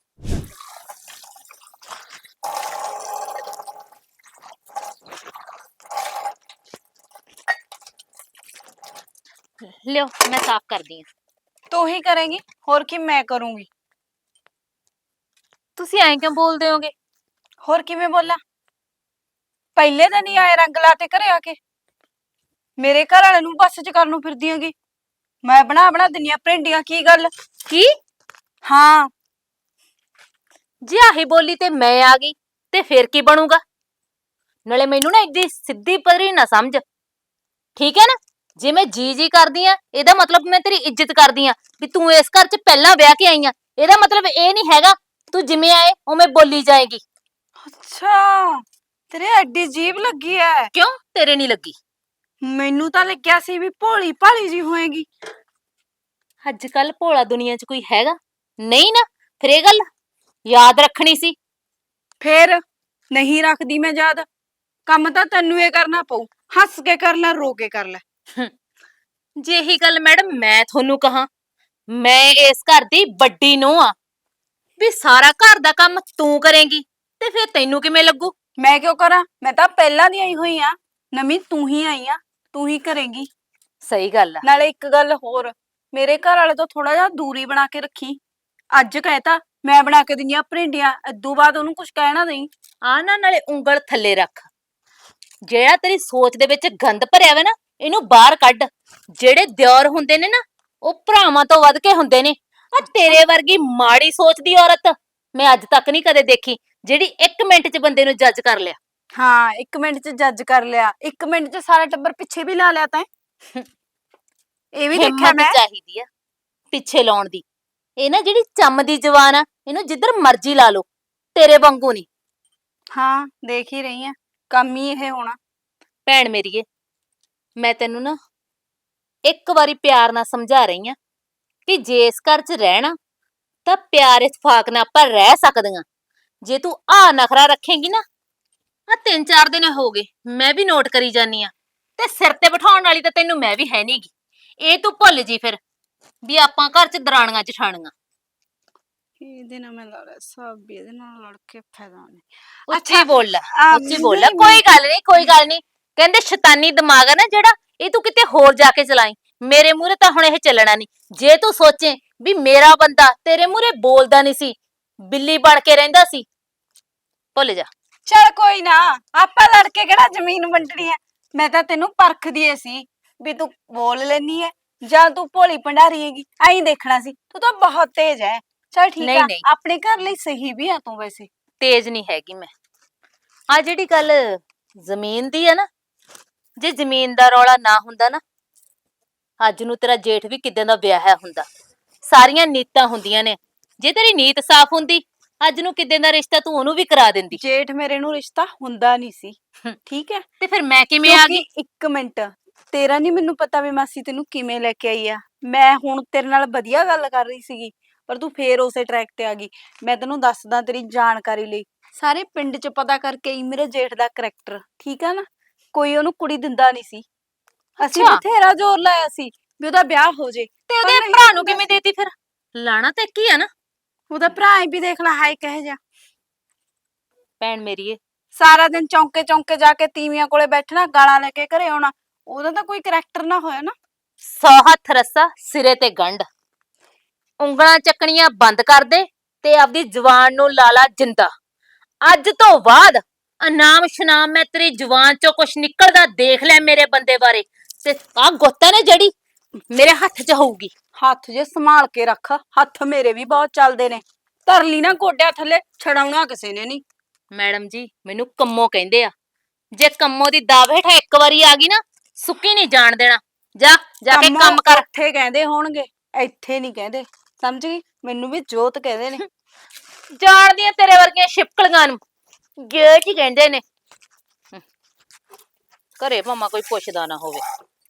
G: ਲਿਓ, ਮੈਂ ਸਾਫ਼ ਕਰਦੀ ਆ।
E: ਤੂੰ ਹੀ ਕਰੇਂਗੀ, ਹੋਰ ਕੀ ਮੈਂ ਕਰੂੰਗੀ।
G: ਤੁਸੀਂ ਐਂ ਕਿਉਂ ਬੋਲਦੇ ਹੋਗੇ?
E: ਹੋਰ ਕਿਵੇਂ ਬੋਲਾਂ? ਪਹਿਲੇ ਦਿਨ ਹੀ ਆਏ ਰੰਗ ਲਾ ਤੇ ਘਰੇ ਆ ਕੇ ਮੇਰੇ ਘਰ ਵਾਲੇ ਨੂੰ ਬੱਸ ਚ ਕਰਨ ਨੂੰ ਫਿਰਦੀ ਹੈਗੀ। ਮੈਂ ਬਣਾ ਬਣਾ ਦਿੰਨੀ ਆ ਭਿੰਡੀਆਂ, ਕੀ ਗੱਲ?
G: ਕੀ?
E: ਹਾਂ,
G: ਜੇ ਆਹੀ ਬੋਲੀ ਤੇ ਮੈਂ ਆ ਗਈ ਤੇ ਫਿਰ ਕੀ ਬਣੂਗਾ? ਨਾਲੇ ਮੈਨੂੰ ਨਾ ਇੱਦੀ ਸਿੱਧੀ ਪਰੀ ਨਾ ਸਮਝ, ਠੀਕ ਹੈ ਨਾ? ਜੇ ਮੈਂ ਜੀ ਜੀ ਕਰਦੀ ਆ, ਇਹਦਾ ਮਤਲਬ ਮੈਂ ਤੇਰੀ ਇੱਜ਼ਤ ਕਰਦੀ ਆ। ਵੀ ਤੂੰ ਇਸ ਘਰ 'ਚ ਪਹਿਲਾਂ ਵਿਆਹ ਕੇ ਆਈ ਆ, ਇਹਦਾ ਮਤਲਬ ਇਹ ਨਹੀਂ ਹੈਗਾ ਤੂੰ ਜਿਵੇਂ ਆਏ ਉਵੇਂ ਬੋਲੀ ਜਾਏਗੀ।
E: ਅੱਛਾ, ਤੇਰੇ ਐਡੀ ਜੀਭ ਲੱਗੀ ਐ।
G: ਕਿਉਂ, ਤੇਰੇ ਨਹੀਂ ਲੱਗੀ?
E: ਮੈਨੂੰ ਤਾਂ ਲੱਗਿਆ ਸੀ ਵੀ ਭੋਲੀ ਭਾਲੀ ਜੀ ਹੋਏਗੀ।
G: ਅੱਜ ਕੱਲ ਭੋਲਾ ਦੁਨੀਆ 'ਚ ਕੋਈ ਹੈਗਾ? ਨਹੀਂ ਨਾ, ਫਿਰ ਇਹ ਗੱਲ ਯਾਦ ਰੱਖਣੀ ਸੀ।
E: ਫੇਰ ਨਹੀਂ ਰੱਖਦੀ ਮੈਂ ਯਾਦ। ਕੰਮ ਤਾਂ ਤੈਨੂੰ ਇਹ ਕਰਨਾ ਪਊ, ਹੱਸ ਕੇ ਕਰ ਲੈ, ਰੋ ਕੇ ਕਰ ਲੈ।
G: ਜੇ ਇਹੀ ਗੱਲ ਮੈਡਮ ਮੈਂ ਤੁਹਾਨੂੰ ਕਹਾਂ, ਮੈਂ ਇਸ ਘਰ ਦੀ ਵੱਡੀ ਨੂੰਹ ਆ, ਵੀ ਸਾਰਾ ਘਰ ਦਾ ਕੰਮ ਤੂੰ ਕਰੇਂਗੀ ਤੇ ਫਿਰ ਤੈਨੂੰ ਕਿਵੇਂ ਲੱਗੂ?
E: ਮੈਂ ਕਿਉਂ ਕਰਾਂ? ਮੈਂ ਤਾਂ ਪਹਿਲਾਂ ਦੀ ਆਈ ਹੋਈ ਆ, ਨਵੀਂ ਤੂੰ ਹੀ ਆਈ ਆ, ਤੂੰ ਹੀ ਕਰੇਂਗੀ।
G: ਸਹੀ ਗੱਲ ਆ।
E: ਨਾਲੇ ਇੱਕ ਗੱਲ ਹੋਰ, ਮੇਰੇ ਘਰ ਵਾਲੇ ਤੋਂ ਥੋੜਾ ਜਿਹਾ ਦੂਰੀ ਬਣਾ ਕੇ ਰੱਖੀ। ਅੱਜ ਕਹਿਤਾ ਮੈਂ ਬਣਾ ਕੇ ਦਿੰਦੀ ਆ ਭਰਿੰਡੀਆਂ, ਇਦੋਂ ਬਾਅਦ ਉਹਨੂੰ ਕੁਝ ਕਹਿਣਾ ਨਹੀਂ।
G: ਆ ਨਾ, ਨਾਲੇ ਉਂਗਲ ਥੱਲੇ ਰੱਖ। ਜਿਹੜਾ ਤੇਰੀ ਸੋਚ ਦੇ ਵਿੱਚ ਗੰਦ ਭਰਿਆ ਵਾ ਨਾ, ਇਹਨੂੰ ਬਾਹਰ ਕੱਢ। ਜਿਹੜੇ ਦਿਓਰ ਹੁੰਦੇ ਨੇ ਨਾ, ਉਹ ਭਰਾਵਾਂ ਤੋਂ ਵੱਧ ਕੇ ਹੁੰਦੇ ਨੇ। ਆ ਤੇਰੇ ਵਰਗੀ ਮਾੜੀ ਸੋਚ ਦੀ ਔਰਤ ਮੈਂ ਅੱਜ ਤੱਕ ਨਹੀਂ ਕਦੇ ਦੇਖੀ, ਜਿਹੜੀ 1 ਮਿੰਟ 'ਚ ਬੰਦੇ ਨੂੰ ਜੱਜ ਕਰ ਲਿਆ।
E: ਹਾਂ, 1 ਮਿੰਟ 'ਚ ਜੱਜ ਕਰ ਲਿਆ, 1 ਮਿੰਟ 'ਚ ਸਾਰਾ ਟੱਬਰ ਪਿੱਛੇ ਵੀ ਲਾ ਲਿਆ ਤੈਂ। ਇਹ ਵੀ ਦੇਖਿਆ
G: ਹਿੰਮਤ
E: ਮੈਂ।
G: ਚਾਹੀਦੀ ਆ ਪਿੱਛੇ ਲਾਉਣ ਦੀ। ਇਹ ਨਾ ਜਿਹੜੀ ਚੰਮ ਦੀ ਜਵਾਨ ਆ, ਇਹਨੂੰ ਜਿੱਧਰ ਮਰਜ਼ੀ ਲਾ ਲਓ, ਤੇਰੇ ਵਾਂਗੂ ਨਹੀਂ।
E: ਹਾਂ, ਦੇਖ ਹੀ ਰਹੀ ਆ, ਕੰਮ ਹੀ ਇਹ ਹੋਣਾ।
G: ਭੈਣ ਮੇਰੀਏ, ਮੈਂ ਤੈਨੂੰ ਨਾ ਇੱਕ ਵਾਰੀ ਪਿਆਰ ਨਾਲ ਸਮਝਾ ਰਹੀ ਆ ਕਿ ਜੇ ਇਸ ਘਰ 'ਚ ਰਹਿਣਾ ਤਾਂ ਪਿਆਰ ਇਤਫਾਕ ਨਾਲ ਆਪਾਂ ਰਹਿ ਸਕਦੀਆਂ। ਜੇ ਤੂੰ ਆ ਨਖਰਾ ਰੱਖੇਂਗੀ ਨਾ, ਆ 3-4 ਦਿਨ ਹੋ ਗਏ ਮੈਂ ਵੀ ਨੋਟ ਕਰੀ ਜਾਨੀ ਆ, ਤੇ ਸਿਰ ਤੇ ਬਿਠਾਉਣ ਵਾਲੀ ਤਾਂ ਤੈਨੂੰ ਮੈਂ ਵੀ ਹੈ ਨਹੀਂਗੀ। ਇਹ ਤੂੰ ਭੁੱਲ ਜੀ ਫਿਰ ਵੀ ਆਪਾਂ ਘਰ 'ਚ ਦਰਾਣੀਆਂ ਜਠਾਣੀਆਂ।
E: ਇਹਦੇ ਨਾਲ ਮੈਂ ਲੜਿਆ, ਸਭ ਇਹਦੇ ਨਾਲ ਲੜ ਕੇ ਫਾਇਦਾ ਨਹੀਂ।
G: ਉੱਚੀ ਬੋਲ ਲੈ, ਉੱਚੀ ਬੋਲ ਲੈ।
E: ਨਹੀਂ,
G: ਕੋਈ ਗੱਲ ਨਹੀਂ, ਕੋਈ ਗੱਲ ਨਹੀਂ। ਕਹਿੰਦੇ ਸ਼ੈਤਾਨੀ ਦਿਮਾਗ ਆ ਨਾ ਜਿਹੜਾ, ਇਹ ਤੂੰ ਕਿਤੇ ਹੋਰ ਜਾ ਕੇ ਚਲਾਈ। ਮੇਰੇ ਮੂਹਰੇ ਤਾਂ ਹੁਣ ਇਹ ਚੱਲਣਾ ਨਹੀਂ। ਜੇ ਤੂੰ ਸੋਚੇ ਵੀ ਮੇਰਾ ਬੰਦਾ ਤੇਰੇ ਮੂਹਰੇ ਬੋਲਦਾ ਨਹੀਂ ਸੀ, ਬਿੱਲੀ ਬਣ ਕੇ ਰਹਿੰਦਾ ਸੀ, ਭੁੱਲ ਜਾ।
E: ਚੱਲ ਕੋਈ ਨਾ, ਆਪਾਂ ਲੜ ਕੇ ਕਿਹੜਾ ਜ਼ਮੀਨ ਵੰਡਣੀ ਐ। ਮੈਂ ਤਾਂ ਤੈਨੂੰ ਪਰਖਦੀ ਏ ਸੀ ਵੀ ਤੂੰ ਬੋਲ ਲੈਨੀ ਐ ਜਾਂ ਤੂੰ ਭੋਲੀ ਭੰਡਾਰੀ ਹੈਗੀ, ਐਂ ਦੇਖਣਾ ਸੀ। ਤੂੰ ਤਾਂ ਬਹੁਤ ਤੇਜ਼ ਐ। ਚੱਲ ਠੀਕ
G: ਨਹੀਂ,
E: ਆ,
G: ਨਹੀਂ।
E: ਆਪਣੇ ਘਰ ਲਈ ਸਹੀ ਵੀ ਆ ਤੂੰ ਵੈਸੇ।
G: ਤੇਜ਼ ਨਹੀਂ ਹੈਗੀ ਮੈਂ। ਆ ਜਿਹੜੀ ਗੱਲ ਜ਼ਮੀਨ ਦੀ ਆ ਨਾ, ਜੇ ਜ਼ਮੀਨ ਦਾ ਰੌਲਾ ਨਾ ਹੁੰਦਾ ਨਾ, ਅੱਜ ਨੂੰ ਤੇਰਾ ਜੇਠ ਵੀ ਕਿਦਾਂ ਦਾ ਵਿਆਹਿਆ ਹੁੰਦਾ। ਸਾਰੀਆਂ ਨੀਤਾਂ ਹੁੰਦੀਆਂ ਨੇ ਜੇ ਤੇਰੀ ਨੀਤ ਸਾਫ਼ ਹੁੰਦੀ ਅੱਜ ਨੂੰ ਕਿੱਦਾਂ ਦਾ ਰਿਸ਼ਤਾ ਤੂੰ ਉਹਨੂੰ ਵੀ ਕਰਾ ਦਿੰਦੀ।
E: ਜੇਠ ਮੇਰੇ ਨੂੰ ਰਿਸ਼ਤਾ ਹੁੰਦਾ ਨਹੀਂ ਸੀ,
G: ਹਮ।
E: ਠੀਕ ਹੈ।
G: ਤੇ ਫਿਰ ਮੈਂ ਕਿਵੇਂ ਆ ਗਈ?
E: ਕਿਉਂਕਿ ਇੱਕ ਮਿੰਟ, ਤੇਰਾ ਨਹੀਂ ਮੈਨੂੰ ਪਤਾ ਵੀ ਮਾਸੀ ਤੈਨੂੰ ਕਿਵੇਂ ਲੈ ਕੇ ਆਈ ਆ। ਮੈਂ ਹੁਣ ਤੇਰੇ ਨਾਲ ਵਧੀਆ ਗੱਲ ਕਰ ਰਹੀ ਸੀਗੀ, ਪਰ ਤੂੰ ਫੇਰ ਉਸੇ ਟਰੈਕ ਤੇ ਆ ਗਈ। ਮੈਂ ਤੈਨੂੰ ਦੱਸਦਾ ਤੇਰੀ ਜਾਣਕਾਰੀ ਲਈ, ਸਾਰੇ ਪਿੰਡ 'ਚ ਪਤਾ ਕਰਕੇ ਆਈ ਮੇਰੇ ਜੇਠ ਦਾ ਕਰੈਕਟਰ, ਠੀਕ ਆ ਨਾ। ਕੋਈ ਉਹਨੂੰ ਕੁੜੀ ਦਿੰਦਾ ਨਹੀਂ ਸੀ, ਅਸੀਂ
G: ਅੱਛਾ।
E: ਬਥੇਰਾ ਜ਼ੋਰ ਲਾਇਆ ਸੀ ਵੀ ਉਹਦਾ ਵਿਆਹ ਹੋ ਜੇ,
G: ਤੇ
E: ਪਰ
G: ਉਹਦੇ
E: ਨਹੀਂ
G: ਭਰਾ ਨੂੰ
E: ਹੁੰਦਾ
G: ਕਿਵੇਂ
E: ਸੀ।
G: ਦੇਤੀ ਫਿਰ? ਲਾਣਾ ਤਾਂ ਇੱਕ ਹੀ ਆ ਨਾ।
E: ਉਹਦਾ ਭਰਾ ਵੀ ਦੇਖ ਲੈ ਹਾਏ ਕਹੇ ਜਾ,
G: ਭੈਣ ਮੇਰੀਏ,
E: ਸਾਰਾ ਦਿਨ ਚੌਂਕੇ ਚੌਂਕੇ ਜਾ ਕੇ ਤੀਵੀਆਂ ਕੋਲੇ ਬੈਠਣਾ, ਗਾਲਾਂ ਲੈ ਕੇ ਘਰੇ ਆਉਣਾ। ਉਹਦਾ ਤਾਂ ਕੋਈ ਕਰੈਕਟਰ ਨਾ ਹੋਇਆ ਨਾ।
G: 100 ਹੱਥ ਰੱਸਾ ਸਿਰੇ ਤੇ ਗੰਢ, ਉਂਗਲਾਂ ਚੱਕਣੀਆਂ ਬੰਦ ਕਰ ਦੇ ਤੇ ਆਪਦੀ ਜ਼ੁਬਾਨ ਨੂੰ ਲਾ ਲਾ ਜਿੰਦਾ। ਅੱਜ ਤੋਂ ਬਾਅਦ ਅਨਾਮ ਸ਼ਨਾਮ ਮੈਂ ਤੇਰੀ ਜ਼ੁਬਾਨ ਚੋਂ ਕੁਛ ਨਿਕਲਦਾ ਦੇਖ ਲੈ ਮੇਰੇ ਬੰਦੇ ਬਾਰੇ, ਤੇ ਆਹ ਗੁੱਤ ਨੇ ਜਿਹੜੀ ਮੇਰੇ ਹੱਥ 'ਚ ਹੋਊਗੀ।
E: ਹੱਥ ਜੇ ਸੰਭਾਲ ਕੇ ਰੱਖ, ਹੱਥ ਮੇਰੇ ਵੀ ਬਹੁਤ ਚੱਲਦੇ ਨੇ। ਧਰ ਲਈ ਨਾ ਗੋਡਿਆਂ ਥੱਲੇ, ਛਡਾਉਣਾ ਕਿਸੇ ਨੇ ਨਹੀਂ।
G: ਮੈਡਮ ਜੀ ਮੈਨੂੰ ਕੰਮੋ ਕਹਿੰਦੇ ਆ, ਜੇ ਕੰਮੋ ਦੀ ਦਾਅ ਹੇਠ ਇੱਕ ਵਾਰੀ ਆ ਗਈ ਨਾ ਸੁੱਕੀ ਨਹੀਂ ਜਾਣ ਦੇਣਾ। ਜਾ ਜਾ ਕੇ ਕੰਮ ਕਰ।
E: ਇੱਥੇ ਕਹਿੰਦੇ ਹੋਣਗੇ, ਇੱਥੇ ਨਹੀਂ ਕਹਿੰਦੇ, ਸਮਝ ਗਈ। ਮੈਨੂੰ ਵੀ ਜੋਤ ਕਹਿੰਦੇ ਨੇ।
G: ਜਾਣਦੀਆਂ ਤੇਰੇ ਵਰਗੀਆਂ ਛਿਪਕਲੀਆਂ ਨੂੰ ਗੇਟ ਹੀ ਕਹਿੰਦੇ ਨੇ। ਘਰੇ ਭਾਵੇਂ ਕੋਈ ਪੁੱਛਦਾ ਨਾ ਹੋਵੇ।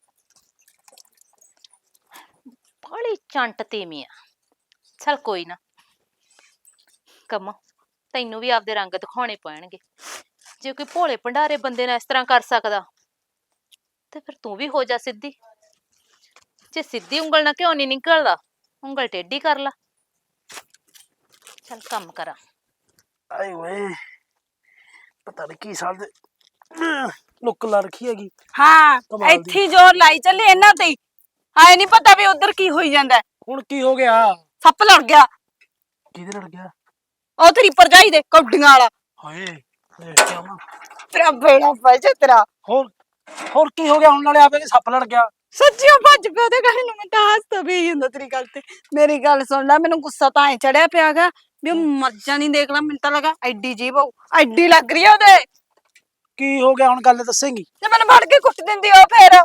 G: ਬੜੀ ਚੰਟ ਤੀਵੀਂ ਆ। ਚੱਲ ਕੋਈ ਨਾ, ਕੰਮੋ ਤੈਨੂੰ ਵੀ ਆਪਦੇ ਰੰਗ ਦਿਖਾਉਣੇ ਪੈਣਗੇ। ਜੇ ਕੋਈ ਭੋਲੇ ਭੰਡਾਰੇ ਬੰਦੇ ਨਾਲ ਇਸ ਤਰ੍ਹਾਂ ਕਰ ਸਕਦਾ ਤੇ ਫਿਰ ਤੂੰ ਵੀ ਹੋ ਜਾ ਸਿੱਧੀ। ਜੇ ਸਿੱਧੀ ਉਂਗਲ ਨਾਲ ਕਿਉਂ ਨਹੀਂ ਨਿਕਲਦਾ, ਉਂਗਲ ਟੇਢੀ ਕਰ ਲਾ। ਚੱਲ ਕੰਮ ਕਰਾਂ।
F: ਆਏ ਓਏ, ਪਤਾ ਨਹੀਂ ਕੀ ਸਾਲ ਦੇ ਲੁੱਕ ਲਾ ਰੱਖੀ ਹੈਗੀ।
E: ਹਾਂ,
F: ਕਮਾਲ ਦੀ।
E: ਇੱਥੇ ਹੀ ਜ਼ੋਰ ਲਾਈ ਚੱਲੇ ਇਹਨਾਂ ਤੇ ਹੀ। ਆਏ ਨਹੀਂ ਪਤਾ ਵੀ ਉਧਰ ਕੀ ਹੋਈ ਜਾਂਦਾ ਹੈ।
F: ਹੁਣ ਕੀ ਹੋ ਗਿਆ?
E: ਸੱਪ ਲੜ ਗਿਆ,
F: ਕਿਹਦੇ ਲੜ ਗਿਆ?
E: ਉਹ ਤੇਰੀ ਭਰਜਾਈ ਦੇ ਕੌਡੀਆਂ ਵਾਲਾ।
F: ਹਾਏ ਦੇਖ ਕੇ ਆਵਾਂ।
E: ਤੇਰਾ ਬੇੜਾ ਫਸ ਤੇਰਾ।
F: ਹੋਰ ਕੀ ਹੋ ਗਿਆ? ਹੁਣ ਨਾਲੇ ਆਪੇ ਸੱਪ ਲੜ ਗਿਆ।
E: ਸੱਚੀਓ ਭੱਜ ਪਿਆ ਉਹਦੇ ਗੱਲ ਨੂੰ। ਮੈਂ ਤਾਂ ਹੱਸਦਾ ਵੀ ਹੁੰਦਾ ਤੇਰੀ ਗੱਲ ਤੇ। ਮੇਰੀ ਗੱਲ ਸੁਣ ਲੈ, ਮੈਨੂੰ ਗੁੱਸਾ ਤਾਂ ਐ ਚੜਿਆ ਪਿਆਗਾ ਵੀ ਉਹ ਮਰ ਜਾਣੀ। ਦੇਖ ਲੈ, ਮੈਨੂੰ ਤਾਂ ਲੱਗਾ ਐਡੀ ਜੀਭ ਹੋਊ, ਐਡੀ ਲੱਗ ਰਹੀ ਆ ਉਹਦੇ।
F: ਕੀ ਹੋ ਗਿਆ ਹੁਣ? ਗੱਲ ਦੱਸੇਂਗੀ?
E: ਤੇ ਮੈਨੂੰ ਫੜ ਕੇ ਕੁੱਟ ਦਿੰਦੀ ਉਹ ਫੇਰ।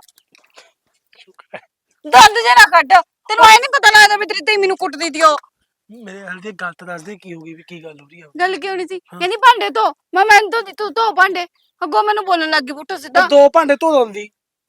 E: ਦੰਦ ਜੇ ਨਾ ਕੱਢ, ਤੈਨੂੰ ਐ ਨਹੀਂ ਪਤਾ ਲੱਗਦਾ ਵੀ ਤੇਰੀ ਧੀ ਮੈਨੂੰ ਕੁੱਟਦੀ ਤੀ ਉਹ।
F: ਮੇਰੇ ਹਾਲ ਦੀ ਗੱਲ ਤਾਂ ਦੱਸ ਦੇ, ਕੀ ਹੋ ਗਈ? ਵੀ ਕੀ ਗੱਲ ਹੋ ਰਹੀ ਆ?
E: ਗੱਲ ਕੀ ਹੋਣੀ ਸੀ? ਕਹਿੰਦੀ ਭਾਂਡੇ ਧੋ। ਮੈਂ ਤੋਂ ਤੂੰ ਧੋ ਭਾਂਡੇ। ਅੱਗੋਂ ਮੈਨੂੰ ਬੋਲਣ ਲੱਗ ਗਈ ਪੁੱਠਾ ਸਿੱਧਾ।
F: ਦੋ ਭਾਂਡੇ ਧੋ ਦਿੰਦੀ।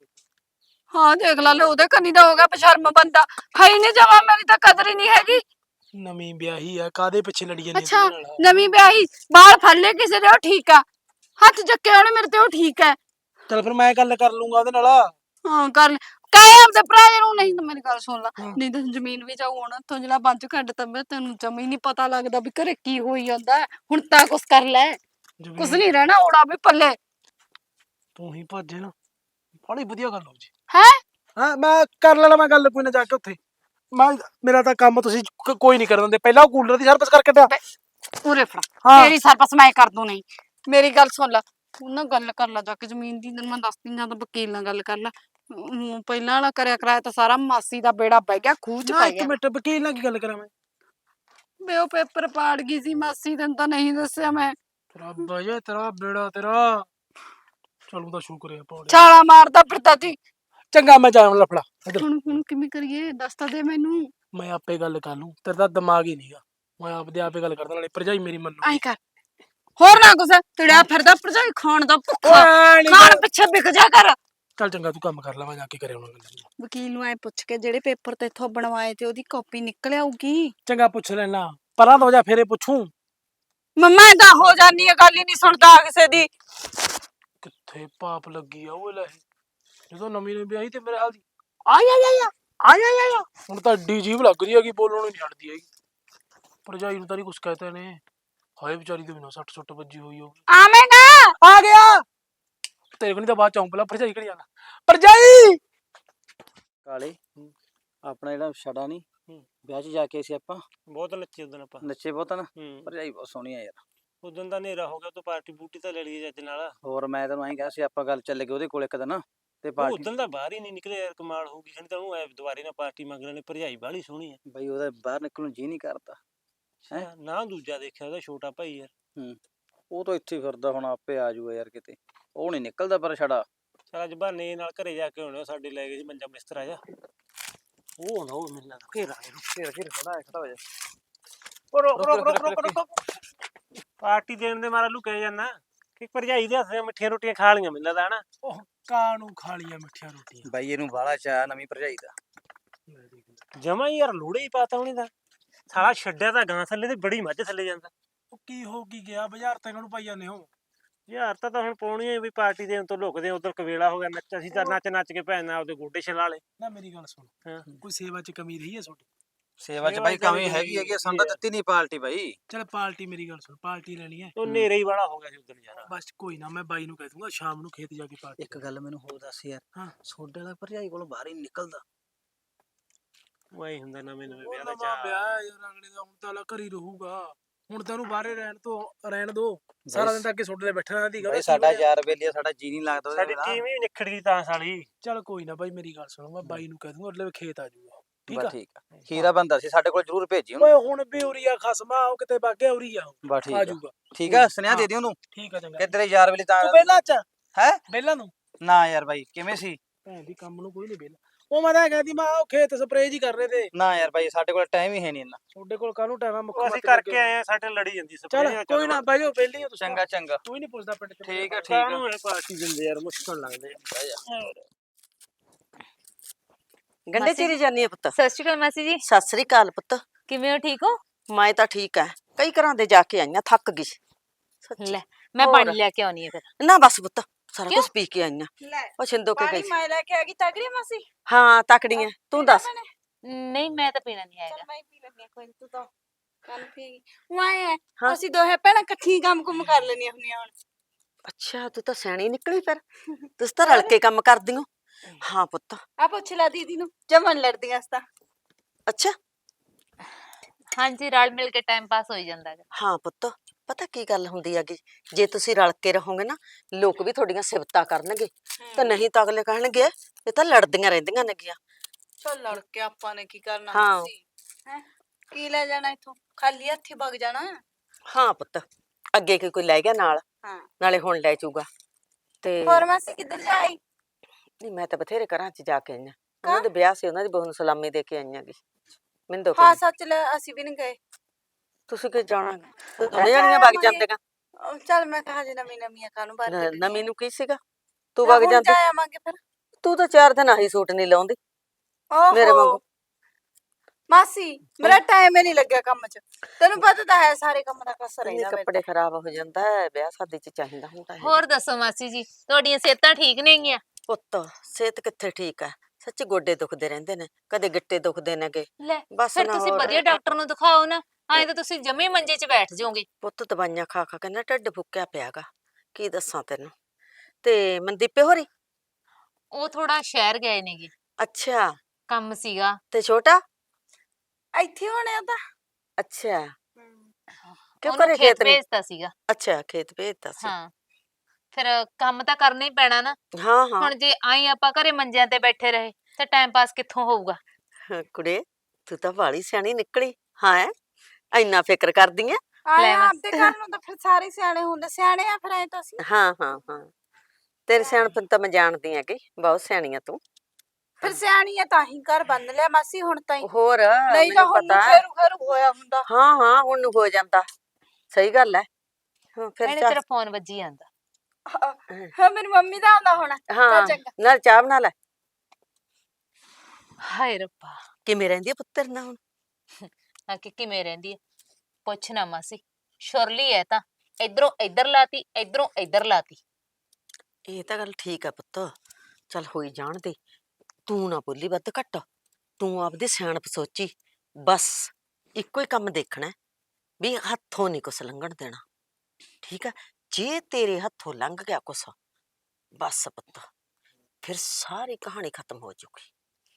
E: ਹਾਂ ਦੇਖ ਲਾ, ਲੈ ਉਹਦੇ ਕੰਨੀ ਦਾ ਹੋ ਗਿਆ ਬਸ਼ਰਮ ਬੰਦਾ। ਹੈ ਹੀ ਨਹੀਂ ਜਮਾ, ਮੇਰੀ ਤਾਂ ਕਦਰ ਹੀ ਨਹੀਂ ਹੈਗੀ।
F: ਨਵੀਂ ਵਿਆਹੀ ਆ, ਕਾਦੇ ਪਿੱਛੇ ਲੜੀ ਜਾਂਦੀ
E: ਅੱਛਾ,
F: ਉਹਦੇ ਨਾਲ?
E: ਨਵੀਂ ਵਿਆਹੀ, ਬਾਲ ਫੜ ਲਏ ਕਿਸੇ ਦੇ, ਉਹ ਠੀਕ ਆ। ਹੱਥ ਚੱਕੇ ਉਹਨੇ ਮੇਰੇ ਤੇ, ਉਹ ਠੀਕ ਹੈ।
F: ਚੱਲ ਫਿਰ ਮੈਂ ਗੱਲ ਕਰ ਲੂੰਗਾ ਉਹਦੇ ਨਾਲ।
E: ਹਾਂ ਕਰ ਲੈ, ਕਹੇ ਆਪਦੇ ਭਰਾ ਨੂੰ। ਨਹੀਂ ਤਾਂ ਮੇਰੀ ਗੱਲ ਸੁਣ ਲਾ, ਨਹੀਂ ਤਾਂ ਜ਼ਮੀਨ ਵੀ ਜਾਊ ਹੁਣ ਤੋਂ। ਜਿਹੜਾ ਬੰਜ ਕੱਢ ਤਾ ਮੈਂ, ਤੈਨੂੰ ਜਮੀ ਨਹੀਂ ਪਤਾ ਲੱਗਦਾ ਵੀ ਘਰੇ ਕੀ ਹੋਈ ਜਾਂਦਾ। ਹੁਣ ਤਾਂ ਕੁਛ ਕਰ ਲੈ, ਕੁਛ ਨਹੀਂ ਰਹਿਣਾ ਓੜਾ ਵੀ ਪੱਲੇ।
F: ਤੂੰ ਹੀ ਭੱਜੇ ਨਾ, ਬੜੀ ਵਧੀਆ ਗੱਲ ਹੋ ਜੀ।
E: ਹੈ
F: ਹਾਂ ਮੈਂ ਕਰ ਲੈਣਾ, ਮੈਂ ਗੱਲ ਕੋਈ ਨਾ ਜਾ ਕੇ ਉੱਥੇ। ਮੇਰਾ ਤਾਂ ਕੰਮ ਤੁਸੀਂ ਕੋਈ ਨਹੀਂ ਕਰਨ ਦਿੰਦੇ। ਪਹਿਲਾਂ ਉਹ ਕੂਲਰ ਦੀ ਸਰਵਿਸ ਕਰਕੇ ਦਿਆ।
E: ਉਰੇ ਫੜਾ,
F: ਹਾਂ।
E: ਤੇਰੀ ਸਰਪਸ ਮੈਂ ਕਰ ਦੂੰ। ਨਹੀਂ ਮੇਰੀ ਗੱਲ ਸੁਣ ਲਾ, ਤੂੰ ਨਾ ਗੱਲ ਕਰ ਲਾ ਜਾ ਕੇ ਜ਼ਮੀਨ ਦੀ। ਤੈਨੂੰ ਮੈਂ ਦੱਸਦੀ, ਜਾਂ ਤਾਂ ਵਕੀਲ ਨਾਲ ਗੱਲ ਕਰ ਲਾ। ਪਹਿਲਾਂ ਵਾਲਾ ਕਰਿਆ ਕਰਾਇਆ ਤਾਂ ਸਾਰਾ ਮਾਸੀ ਦਾ ਬੇੜਾ ਬਹਿ ਗਿਆ, ਖੂਹ ਚ
F: ਨਾ
E: ਪੈ
F: ਇੱਕ
E: ਗਿਆ।
F: ਮਿੰਟ, ਵਕੀਲ ਨਾਲ ਕੀ ਗੱਲ ਕਰਾਂ ਮੈਂ?
E: ਬੇ ਉਹ ਪੇਪਰ ਪਾੜ ਗਈ ਸੀ ਮਾਸੀ, ਤੈਨੂੰ ਤਾਂ ਨਹੀਂ ਦੱਸਿਆ ਮੈਂ।
F: ਤੇਰਾ ਬਜੇ, ਤੇਰਾ ਬੇੜਾ ਤੇਰਾ। ਚਲੂ ਤਾਂ ਸ਼ੁਕਰ ਹੈ ਪੌੜੇ।
E: ਛਾਲਾ ਮਾਰਦਾ ਫਿਰਦਾ ਤੀ।
F: ਚੰਗਾ ਮੈਂ ਜਾਣ ਲਫੜਾ ਇੱਧਰ।
E: ਹੁਣ ਕਿਵੇਂ ਕਰੀਏ, ਦੱਸ ਤਾਂ ਦੇ ਮੈਨੂੰ।
F: ਮੈਂ ਆਪੇ ਗੱਲ ਕਰ ਲੂੰ, ਤੇਰਾ ਤਾਂ ਦਿਮਾਗ ਹੀ ਨਹੀਂਗਾ। ਮੈਂ ਆਪਦੇ ਆਪੇ ਗੱਲ ਕਰਦਾ, ਨਾਲੇ ਭਰਜਾਈ ਮੇਰੀ ਮੰਨੂ।
E: ਐਂ ਕਰ, ਹੋਰ ਨਾ ਕੁਛ ਤੜਿਆ ਫਿਰਦਾ ਭਰਜਾਈ ਖਾਣ ਦਾ ਭੁੱਖਾ।
F: ਓਏ ਨੀ
E: ਖਾਣ ਪਿੱਛੇ ਵਿਕ ਜਾ ਕਰ।
F: ਚੱਲ ਚੰਗਾ, ਤੂੰ ਕੰਮ ਕਰ ਲੈ, ਮੈਂ ਜਾ ਕੇ ਕਰਿਆ ਉਹਨਾਂ ਗੱਲ।
E: ਵਕੀਲ ਨੂੰ ਐ ਪੁੱਛ ਕੇ ਜਿਹੜੇ ਪੇਪਰ ਤੇ ਇੱਥੋਂ ਬਣਵਾਏ ਤੇ ਉਹਦੀ ਕਾਪੀ ਨਿਕਲ ਆਊਗੀ।
F: ਚੰਗਾ ਪੁੱਛ ਲੈਣਾ, ਪਰਾਂ ਤੋਂ ਜਾ ਫੇਰੇ ਪੁੱਛੂ।
E: ਮੰਮਾ ਏਦਾਂ ਹੋ ਜਾਨੀ ਆ, ਗੱਲ ਹੀ ਨਹੀਂ ਸੁਣਦਾ ਕਿਸੇ ਦੀ।
F: ਕਿੱਥੇ ਪਾਪ ਲੱਗੀ ਆ ਉਹ ਲੈ, ਜਦੋਂ ਨਵੀਂ ਨਵੀਂ ਵਿਆਹੀ ਤੇ ਮੇਰੇ ਹਾਲ ਦੀ ਆਇਆ ਹੁਣ ਤਾਂ ਡੀ ਜੀਭ ਲੱਗ ਰਹੀ ਹੈਗੀ, ਬੋਲਣੋਂ ਨਹੀਂ ਛੱਡਦੀ ਹੈਗੀ। ਭਰਜਾਈ ਨੂੰ ਤਾਂ ਨਹੀਂ ਕੁਛ ਕਹਤੇ ਨੇ। ਹਾਏ ਵਿਚਾਰੀ ਦੇ ਬਿਨਾਂ 60 ਵੱਜੀ ਹੋਈ ਹੋਗੀ।
E: ਆਵੇਂਗਾ
F: ਆ ਗਿਆ ਤੇਰੇ ਕੋਲ, ਨਹੀਂ ਤਾਂ ਬਾਅਦ ਚ ਆਉਂ। ਪਹਿਲਾਂ ਭਰਜਾਈ ਕਿਹੜੀ ਜਾਣਾ? ਭਰਜਾਈ
B: ਕਾਲੇ ਆਪਣਾ ਜਿਹੜਾ ਛੜਾ ਨਹੀਂ ਵਿਆਹ 'ਚ ਜਾ ਕੇ ਸੀ ਆਪਾਂ
H: ਬਹੁਤ ਨੱਚੇ ਉਦੋਂ ਆਪਾਂ।
B: ਨੱਚੇ ਬਹੁਤ ਨਾ।
H: ਹੂੰ
B: ਭਰਜਾਈ ਬਹੁਤ ਸੋਹਣੀ ਆ ਯਾਰ।
H: ਉਦੋਂ ਦਾ ਹਨੇਰਾ ਹੋ ਗਿਆ, ਤੂੰ ਪਾਰਟੀ ਬੂਟੀ ਤਾਂ ਲੈ ਲਈ ਜੱਜ ਨਾਲ।
B: ਹੋਰ ਮੈਂ ਤੈਨੂੰ ਐਂ ਕਿਹਾ ਸੀ ਆਪਾਂ ਗੱਲ ਚੱਲ ਗਏ ਉਹਦੇ ਕੋਲ ਇੱਕ ਦਿਨ ਤੇ ਪਾਰਟੀ।
H: ਉਦੋਂ ਦਾ ਬਾਹਰ ਹੀ ਨਹੀਂ ਨਿਕਲਿਆ ਯਾਰ, ਕਮਾਲ ਹੋ ਗਈ। ਖਣੀ ਤਾਂ ਉਹਨੂੰ ਐ ਦੁਬਾਰੇ ਨਾਲ ਪਾਰਟੀ ਮੰਗਣ ਨੇ, ਭਰਜਾਈ ਬਾਹਲੀ ਸੋਹਣੀ ਆ।
B: ਬਈ ਉਹਦਾ ਬਾਹਰ ਨਿਕਲਣ ਨੂੰ ਜੀ ਨਹੀਂ ਕਰਦਾ। ਹੈਂ?
H: ਨਾ ਦੂਜਾ ਦੇਖਿਆ ਉਹਦਾ ਛੋਟਾ ਭਾਈ ਯਾਰ।
B: ਉਹ ਤਾਂ ਇੱਥੇ ਹੀ ਫਿਰਦਾ, ਹੁਣ ਆਪੇ ਆ ਜਾਊਗਾ ਯਾਰ ਕਿਤੇ। ਉਹ ਨਹੀਂ ਨਿਕਲਦਾ ਪਰ ਛੜਾ।
H: ਚਲ ਅੱਜ ਬਹਾਨੇ ਨਾਲ ਘਰੇ ਜਾ ਕੇ ਆਉਣੇ, ਸਾਡੇ ਲੈ ਗਏ ਸੀ ਮੰਜਾ ਬਿਸਤਰਾ ਜਾ। ਉਹ ਨਾ ਉਹ ਮਿਲਣਾ ਘੇਰਾ
B: ਘੇਰ ਖੜਾ ਹੋ ਜਾ।
H: ਰੁਕ ਰੁਕ ਰੁਕ ਰੁਕ ਰੁਕ ਪਾਰਟੀ ਦੇਣ ਦੇ ਮਾਰਾ ਲੁਕੇ ਜਾਣਾ ਕਿ ਭਰਜਾਈ ਦੇ ਹੱਥ ਦੀਆਂ ਮਿੱਠੀਆਂ ਰੋਟੀਆਂ ਖਾ ਲੀਆਂ ਮੈਨੂੰ ਲੱਗਦਾ ਹਨਾ।
F: ਉਹ ਕਾਂ ਨੂੰ ਖਾ ਲੀਆਂ ਮਿੱਠੀਆਂ ਰੋਟੀਆਂ।
D: ਬਾਈ ਇਹਨੂੰ ਬਾਹਲਾ ਚਾਹ ਨਵੀਂ ਭਰਜਾਈ ਦਾ।
H: ਜਮਾ ਹੀ ਯਾਰ ਲੋੜੇ ਹੀ ਪਾਤਾ ਉਹਨੇ ਦਾ ਸਾਲਾ ਛੱਡਿਆ ਤਾਂ ਗਾਂ ਥੱਲੇ ਤੇ ਬੜੀ ਮੱਝ ਥੱਲੇ ਜਾਂਦਾ।
F: ਉਹ ਕੀ ਹੋ ਕੀ ਗਿਆ ਬਾਜ਼ਾਰ ਤੇ ਨੂੰ ਪਾਈ ਜਾਂਦੇ ਹੋ।
H: ਯਾਰ ਤਾਂ ਹੁਣ ਪਾਉਣੀ ਹੈ ਵੀ ਪਾਰਟੀ ਦੇਣ ਤੋਂ ਲੁਕਦੇ ਉਧਰ ਕਵੇਲਾ ਹੋ ਗਿਆ ਨੱਚ ਅਸੀਂ ਤਾਂ ਨੱਚ ਨੱਚ ਕੇ ਭੈਣ ਨਾਲ ਉਹਦੇ ਗੋਡੇ ਛਲਾ ਲੇ।
F: ਨਾ ਮੇਰੀ ਗੱਲ ਸੁਣ
H: ਹਾਂ।
F: ਕੋਈ ਸੇਵਾ ਚ ਕਮੀ ਰਹੀ ਹੈ ਤੁਹਾਡੀ?
D: ਸੇਵਾ ਚ ਬਾਈ ਕਮੀ ਹੈਗੀ ਹੈਗੀ ਸਾਨੂੰ ਤਾਂ ਦਿੱਤੀ ਨਹੀਂ ਪਾਰਟੀ ਬਾਈ।
F: ਚਲ ਪਾਰਟੀ ਮੇਰੀ ਗੱਲ ਸੁਣ ਪਾਰਟੀ ਲੈਣੀ ਹੈ
H: ਉਹ ਨੇਰੇ ਹੀ ਵਾਲਾ ਹੋ ਗਿਆ ਸੀ ਉਦੋਂ ਯਾਰ।
F: ਬਸ ਕੋਈ ਨਾ ਮੈਂ ਬਾਈ ਨੂੰ ਕਹਿ ਦੂੰਗਾ ਸ਼ਾਮ ਨੂੰ ਖੇਤ ਜਾ ਕੇ ਪਾਰਟੀ।
D: ਇੱਕ ਗੱਲ ਮੈਨੂੰ ਹੋਰ ਦੱਸ ਯਾਰ
F: ਹਾਂ।
D: ਸੋਡੇ ਵਾਲਾ ਭਰਜਾਈ ਕੋਲੋਂ ਬਾਹਰ ਹੀ ਨੀ ਨਿਕਲਦਾ।
H: ਵਾਈ ਹੁੰਦਾ ਨਵੇਂ ਨਵੇਂ
F: ਉਹ
H: ਵਿਆਹ ਦਾ
F: ਨਵਾਂ
H: ਚਾਅ।
F: ਵਿਆਹ ਯਾਰ ਅਗਲੇ ਦਾ ਹੁਣ ਤਾਂ ਘਰ ਹੀ ਰਹੂਗਾ। ਹੁਣ ਤੈਨੂੰ ਬਾਹਰੇ ਰਹਿਣ ਦੋ ਸਾਰਾ ਦਿਨ ਤਾਂ ਅੱਗੇ ਸੋਡੇ ਤੇ ਬੈਠਾ ਰਹਿੰਦੀ
D: ਬਾਈ ਸਾਡਾ ਯਾਰ ਬੇਲੀਆ ਸਾਡਾ ਜੀ ਨਹੀਂ ਲੱਗਦਾ ਉਹਦੇ
H: ਸਾਡੀ
D: ਬਿਨਾਂ।
H: ਟੀਮ ਹੀ ਨਿਖੜਦੀ ਤਾਂ ਸਾਲੀ।
F: ਚੱਲ ਕੋਈ ਨਾ ਬਾਈ ਮੇਰੀ ਗੱਲ ਸੁਣੋ ਮੈਂ ਬਾਈ ਨੂੰ ਕਹਿ ਦੂੰਗਾ ਅਗਲੇ ਖੇਤ ਆ ਜਾਊਗਾ। ਠੀਕ
D: ਬਸ
F: ਆ
D: ਠੀਕ ਆ ਹੀਰਾ ਬੰਦਾ ਸੀ ਸਾਡੇ ਕੋਲ ਜ਼ਰੂਰ ਭੇਜੀ
F: ਓਏ
D: ਉਹਨੂੰ।
F: ਹੁਣ ਵੀ ਉਰੀਆ ਖਸਮਾ ਉਹ ਕਿਤੇ ਬਾਗੇ ਉਰੀਆ
D: ਬਸ ਠੀਕ
F: ਆ
D: ਆ
F: ਜਾਊਗਾ।
D: ਠੀਕ ਆ ਸੁਨੇਹਾ ਦੇ ਦੀ ਉਹਨੂੰ
F: ਠੀਕ ਆ ਚੰਗਾ
D: ਕਿ ਤੇਰੇ ਯਾਰ ਵੇਲੇ ਤਾਂ
F: ਤੂੰ ਪਹਿਲਾਂ ਚ
D: ਹੈ
F: ਪਹਿਲਾਂ ਨੂੰ
D: ਨਾ ਯਾਰ ਬਾਈ ਕਿਵੇਂ ਸੀ।
F: ਭੈਣ ਦੀ ਕੰਮ ਨੂੰ ਕੋਈ ਨਹੀਂ ਪਹਿਲਾਂ ਉਹ ਮੈਂ ਤਾਂ ਕਹਿੰਦੀ ਮੈਂ ਉਹ ਖੇਤ ਸਪਰੇਅ ਜੀ ਕਰ ਰਹੇ ਤੇ
D: ਨਾ ਯਾਰ ਬਾਈ ਸਾਡੇ ਕੋਲ ਟਾਈਮ ਹੀ ਹੈ ਨਹੀਂ ਇੰਨਾ।
F: ਤੁਹਾਡੇ ਕੋਲ ਕਾਹਨੂੰ ਟਾਈਮ ਆ ਮੁੱਖ
H: ਉਹ ਅਸੀਂ ਕਰਕੇ ਆਏ ਆ ਸਾਡੇ ਲੜੀ ਜਾਂਦੀ
F: ਚੱਲ
H: ਸਪਰੇਅ।
F: ਕੋਈ ਨਾ ਬਾਈ ਉਹ ਪਹਿਲੀ ਹੋ ਤੁਸੀਂ
D: ਚੰਗਾ ਚੰਗਾ
F: ਕੋਈ ਨਹੀਂ ਪੁੱਛਦਾ ਪਿੰਡ ਚ
D: ਠੀਕ ਆ ਠੀਕ ਆ।
H: ਕਾਹਨੂੰ ਇਹ ਪਾਰਟੀ ਦਿੰਦੇ ਯਾਰ ਮੁਸ਼ਕਲ ਲੱਗਦੇ
A: ਗੰਡੇ ਚੀਰੀ ਜਾਨੀ ਆ ਪੁੱਤ।
G: ਸਤਿ ਸ਼੍ਰੀ ਅਕਾਲ ਮਾਸੀ ਜੀ।
A: ਸਤਿ ਸ੍ਰੀ ਅਕਾਲ ਪੁੱਤ।
G: ਕਿਵੇਂ ਹੋ ਠੀਕ ਹੋ?
A: ਮੈਂ ਤਾਂ ਠੀਕ ਐ ਕਈ ਘਰਾਂ ਦੇ ਜਾ ਕੇ ਆਈਆਂ ਥੱਕ ਗਈ ਸੱਚੀ।
G: ਲੈ ਮੈਂ
A: ਹੋਰ।
G: ਪਾਣੀ ਲੈ ਕੇ ਆਉਣੀ ਹੈ ਫਿਰ।
A: ਨਾ ਬਸ ਪੁੱਤ ਸਾਰਾ
G: ਕਿਉਂ?
A: ਕੁਝ ਪੀ ਕੇ ਆਈਆਂ।
E: ਲੈ
A: ਉਹ ਛਿੰਦੋ ਕੇ
E: ਪਾਣੀ
A: ਗਈ
E: ਮੈਂ ਲੈ ਕੇ ਆ ਗਈ ਤਗੜੀ ਮਾਸੀ।
A: ਹਾਂ ਤਕੜੀ ਐ ਤੂੰ ਦੱਸ।
G: ਨਹੀਂ ਮੈਂ ਤਾਂ ਪੀਣਾ ਨਹੀਂ ਆਏਗਾ।
E: ਚੱਲ ਮੈਂ ਹੀ ਪੀ ਲੈਂਦੀ ਆ ਕੋਈ ਨੀ, ਤੂੰ ਤਾਂ ਕੱਲ ਪੀਏਗੀ ਉਹ ਆਏ ਆ
A: ਹਾਂ।
E: ਅਸੀਂ ਦੋਹੇ ਭੈਣਾਂ ਇਕੱਠੀ ਕੰਮ ਕੁਮ ਕਰ ਲੈਣੀਆਂ ਹੁੰਦੀਆਂ ਹੁਣ।
A: ਅੱਛਾ ਤੂੰ ਤਾਂ ਸਿਆਣੀ ਨਿਕਲੀ ਫਿਰ ਤੁਸੀਂ ਤਾਂ ਰਲ ਕੇ ਕੰਮ ਕਰਦੀ ਹੋ। ਹਾਂ ਪੁੱਤ।
E: ਆ ਪੁੱਛ ਲੈ ਦੀਦੀ ਨੂੰ ਜਮਨ ਲੜਦੀਆਂ ਅਸ ਤਾਂ।
A: ਅੱਛਾ
G: ਹਾਂਜੀ ਰਲ ਮਿਲ ਕੇ ਟਾਈਮ ਪਾਸ ਹੋਈ ਜਾਂਦਾ ਹੈ।
A: ਹਾਂ ਪੁੱਤ ਪਤਾ ਕੀ ਗੱਲ ਹੁੰਦੀ ਹੈਗੀ ਜੇ ਤੁਸੀਂ ਰਲ ਕੇ ਰਹੋਗੇ ਨਾ ਲੋਕ ਵੀ ਤੁਹਾਡੀਆਂ ਸਿਫਤਾਂ ਕਰਨਗੇ ਤੇ ਨਹੀਂ ਤਾਂ ਅਗਲੇ ਕਹਿਣਗੇ ਇਹ ਤਾਂ ਲੜਦੀਆਂ ਰਹਿੰਦੀਆਂ ਨੇਗੀਆਂ।
E: ਚੱਲ ਲੜ ਕੇ ਆਪਾਂ ਨੇ ਕੀ ਕਰਨਾ
A: ਹਾਂ।
E: ਮਾਸੀ ਹੈ ਕੀ ਲੈ ਜਾਣਾ ਇੱਥੋਂ ਖਾਲੀ ਹੱਥੀ ਵਗ ਜਾਣਾ।
A: ਹਾਂ ਪੁੱਤ ਅੱਗੇ ਕੋਈ ਲੈ ਗਿਆ ਨਾਲ
E: ਹਾਂ
A: ਨਾਲੇ ਹੁਣ ਲੈ ਜਾਊਗਾ ਤੇ
E: ਹੋਰ ਮਾਸੀ ਕਿੱਧਰ ਜਾਈ?
A: ਨਹੀਂ ਮੈਂ ਤਾਂ ਬਥੇਰੇ ਘਰਾਂ 'ਚ ਜਾ ਕੇ ਆਈਆਂ ਉਹਨਾਂ ਦੇ ਵਿਆਹ ਸੀ ਉਹਨਾਂ ਦੀ ਬਹੂ ਨੂੰ ਸਲਾਮੀ ਦੇ ਕੇ ਆਈਆਂ ਗੀ ਮੈਨੂੰ ਦੋ
E: ਹਾਂ ਸੱਚ ਲੈ ਅਸੀਂ ਵੀ ਨਹੀਂ ਗਏ।
A: ਤੁਸੀਂ ਕਿ ਜਾਣਾ ਦੋਨੇ ਜਣੀਆਂ ਵਗ ਜਾਂਦੀਆਂ।
E: ਚੱਲ ਮੈਂ ਕਹਾ ਜੇ ਨਵੀਂ ਨਵੀਆਂ ਕਾਹਨੂੰ ਬਾਤ
A: ਨਵੀਂ ਨੂੰ ਕੀ ਸੀਗਾ ਤੂੰ ਵਗ ਜਾਂਦੀ।
E: ਜਾ ਆਵਾਂਗੇ ਫਿਰ।
A: ਤੂੰ ਤਾਂ 4 ਦਿਨ ਆਹੀ ਸੂਟ ਨਹੀਂ ਲਾਉਂਦੀ ਮੇਰੇ
E: ਓਹੋ
A: ਵਾਂਗੂ।
E: ਮਾਸੀ ਮੇਰਾ ਟਾਈਮ ਹੀ ਨਹੀਂ ਲੱਗਿਆ ਕੰਮ 'ਚ ਤੈਨੂੰ ਪਤਾ ਤਾਂ ਹੈ ਸਾਰੇ ਕੰਮ ਦਾ ਕਸਰ
A: ਇੰਨੇ
E: ਰਹਿੰਦਾ
A: ਕੱਪੜੇ ਖਰਾਬ ਹੋ ਜਾਂਦਾ ਹੈ ਵਿਆਹ ਸ਼ਾਦੀ 'ਚ ਚਾਹੀਦਾ ਹੁੰਦਾ ਹੈ।
G: ਹੋਰ ਦੱਸੋ ਮਾਸੀ ਜੀ ਤੁਹਾਡੀਆਂ ਸਿਹਤਾਂ ਠੀਕ ਨੇਗੀਆਂ?
A: ਪੁੱਤ ਸਿਹਤ ਕਿੱਥੇ ਠੀਕ ਹੈ ਸੱਚੀ ਗੋਡੇ ਦੁਖਦੇ ਰਹਿੰਦੇ ਨੇ ਕਦੇ ਗਿੱਟੇ ਦੁਖਦੇ ਨੇਗੇ
G: ਲੈ
A: ਬਸ
G: ਫਿਰ
A: ਨਾ
G: ਤੁਸੀਂ
A: ਹੋਰ।
G: ਵਧੀਆ ਡਾਕਟਰ ਨੂੰ ਦਿਖਾਓ ਨਾ ਐਂ ਤਾਂ ਤੁਸੀਂ ਜਮੇ ਮੰਜੇ 'ਚ ਬੈਠ ਜਾਓਗੇ।
A: ਪੁੱਤ ਦਵਾਈਆਂ ਖਾ ਖਾ ਕੇ ਨਾ ਢਿੱਡ ਫੁੱਕਿਆ ਪਿਆਗਾ ਕੀ ਦੱਸਾਂ ਤੈਨੂੰ ਤੇ ਮਨਦੀਪੇ ਹੋਰੀ।
G: ਉਹ ਥੋੜਾ ਸ਼ਹਿਰ ਗਏ ਨੇਗੇ
A: ਅੱਛਾ
G: ਕੰਮ ਸੀਗਾ।
A: ਤੇ ਛੋਟਾ
E: ਇੱਥੇ ਹੋਣੇ ਉਹਦਾ।
A: ਅੱਛਾ ਕਿਉਂ
G: ਉਹਨੂੰ
A: ਘਰੇ
G: ਖੇਤ
A: ਖੇਤ ਨਹੀਂ
G: ਭੇਜਤਾ ਸੀਗਾ।
A: ਅੱਛਾ ਖੇਤ ਭੇਜਤਾ ਸੀ
G: ਹਾਂ ਫਿਰ ਕੰਮ ਤਾਂ ਕਰਨਾ ਹੀ ਪੈਣਾ ਨਾ।
A: ਹਾਂ ਹਾਂ
G: ਹੁਣ ਜੇ ਆਈ ਆਪਾਂ ਘਰੇ ਮੰਜਿਆਂ ਤੇ ਬੈਠੇ ਰਹੇ ਤਾਂ ਟਾਈਮ ਪਾਸ ਕਿੱਥੋਂ ਹੋਊਗਾ?
A: ਕੁੜੇ ਤੂੰ ਤਾਂ ਵਾਲੀ ਸਿਆਣੀ ਨਿਕਲੀ ਹਾਂ ਇੰਨਾ ਫਿਕਰ ਕਰਦੀ ਐ।
E: ਆਏ
G: ਲੈ ਮਾਸੀ।
E: ਆਪਦੇ ਘਰ ਨੂੰ ਤਾਂ ਫਿਰ ਸਾਰੇ ਸਿਆਣੇ ਹੁੰਦੇ ਸਿਆਣੇ ਆ ਫਿਰ ਐ ਤਾਂ ਅਸੀਂ
A: ਹਾਂ ਹਾਂ ਹਾਂ ਤੇਰੇ ਸਿਆਣਪਨ ਤਾਂ ਮੈਂ ਜਾਣਦੀ ਹੈਗੀ ਬਹੁਤ ਸਿਆਣੀ ਆ ਤੂੰ।
E: ਫਿਰ ਸਿਆਣੀ ਆ ਤਾਂ ਹੀ ਘਰ ਬੰਨ ਲਿਆ ਮਾਸੀ ਹੁਣ ਤਾਂ ਹੀ
A: ਹੋਰ
E: ਨਹੀਂ ਤਾਂ
A: ਮੈਨੂੰ
E: ਹੁਣ
A: ਪਤਾ
E: ਫੇਰੂ ਫੇਰੂ ਹੋਇਆ ਹੁੰਦਾ।
A: ਹਾਂ ਹਾਂ ਹੁਣ ਨੂੰ ਹੋ ਜਾਂਦਾ ਸਹੀ ਗੱਲ ਹੈ। ਹਾਂ ਫਿਰ
G: ਇਹਨੇ
A: ਚੱਲ
G: ਤੇਰਾ ਫੋਨ ਵੱਜੀ ਜਾਂਦਾ।
E: ਹਾਂ ਮੇਰੀ ਮੰਮੀ ਦਾ ਆਉਂਦਾ ਹੋਣਾ।
A: ਹਾਂ
E: ਚੱਲ ਚੰਗਾ।
A: ਨਾਲ ਚਾਹ ਬਣਾ ਲੈ।
G: ਹਾਏ ਰੱਬਾ
A: ਕਿਵੇਂ ਰਹਿੰਦੀ ਆ ਪੁੱਤਰ ਨਾਲ ਹੁਣ?
G: ਆ ਕਿ ਕਿਵੇਂ ਰਹਿੰਦੀ ਹੈ ਪੁੱਛ ਨਾ ਮਾਸੀ। ਸ਼ੁਰਲੀ ਹੈ ਤਾਂ ਇਧਰੋਂ ਇੱਧਰ ਲਾਤੀ ਇਧਰੋਂ ਇੱਧਰ ਲਾਤੀ।
A: ਇਹ ਤਾਂ ਗੱਲ ਠੀਕ ਆ ਪੁੱਤ ਚੱਲ ਹੋਈ ਜਾਣ ਦੇ ਤੂੰ ਨਾ ਬੋਲੀ ਵੱਧ ਘੱਟ ਤੂੰ ਆਪਦੀ ਸਿਆਣਪ ਸੋਚੀ ਬਸ ਇੱਕੋ ਹੀ ਕੰਮ ਦੇਖਣਾ ਵੀ ਹੱਥੋਂ ਨਹੀਂ ਕੁਛ ਲੰਘਣ ਦੇਣਾ ਠੀਕ ਆ ਜੇ ਤੇਰੇ ਹੱਥੋਂ ਲੰਘ ਗਿਆ ਕੁਛ ਬਸ ਪੁੱਤ ਫਿਰ ਸਾਰੀ ਕਹਾਣੀ ਖਤਮ ਹੋ ਜਾਊਗੀ।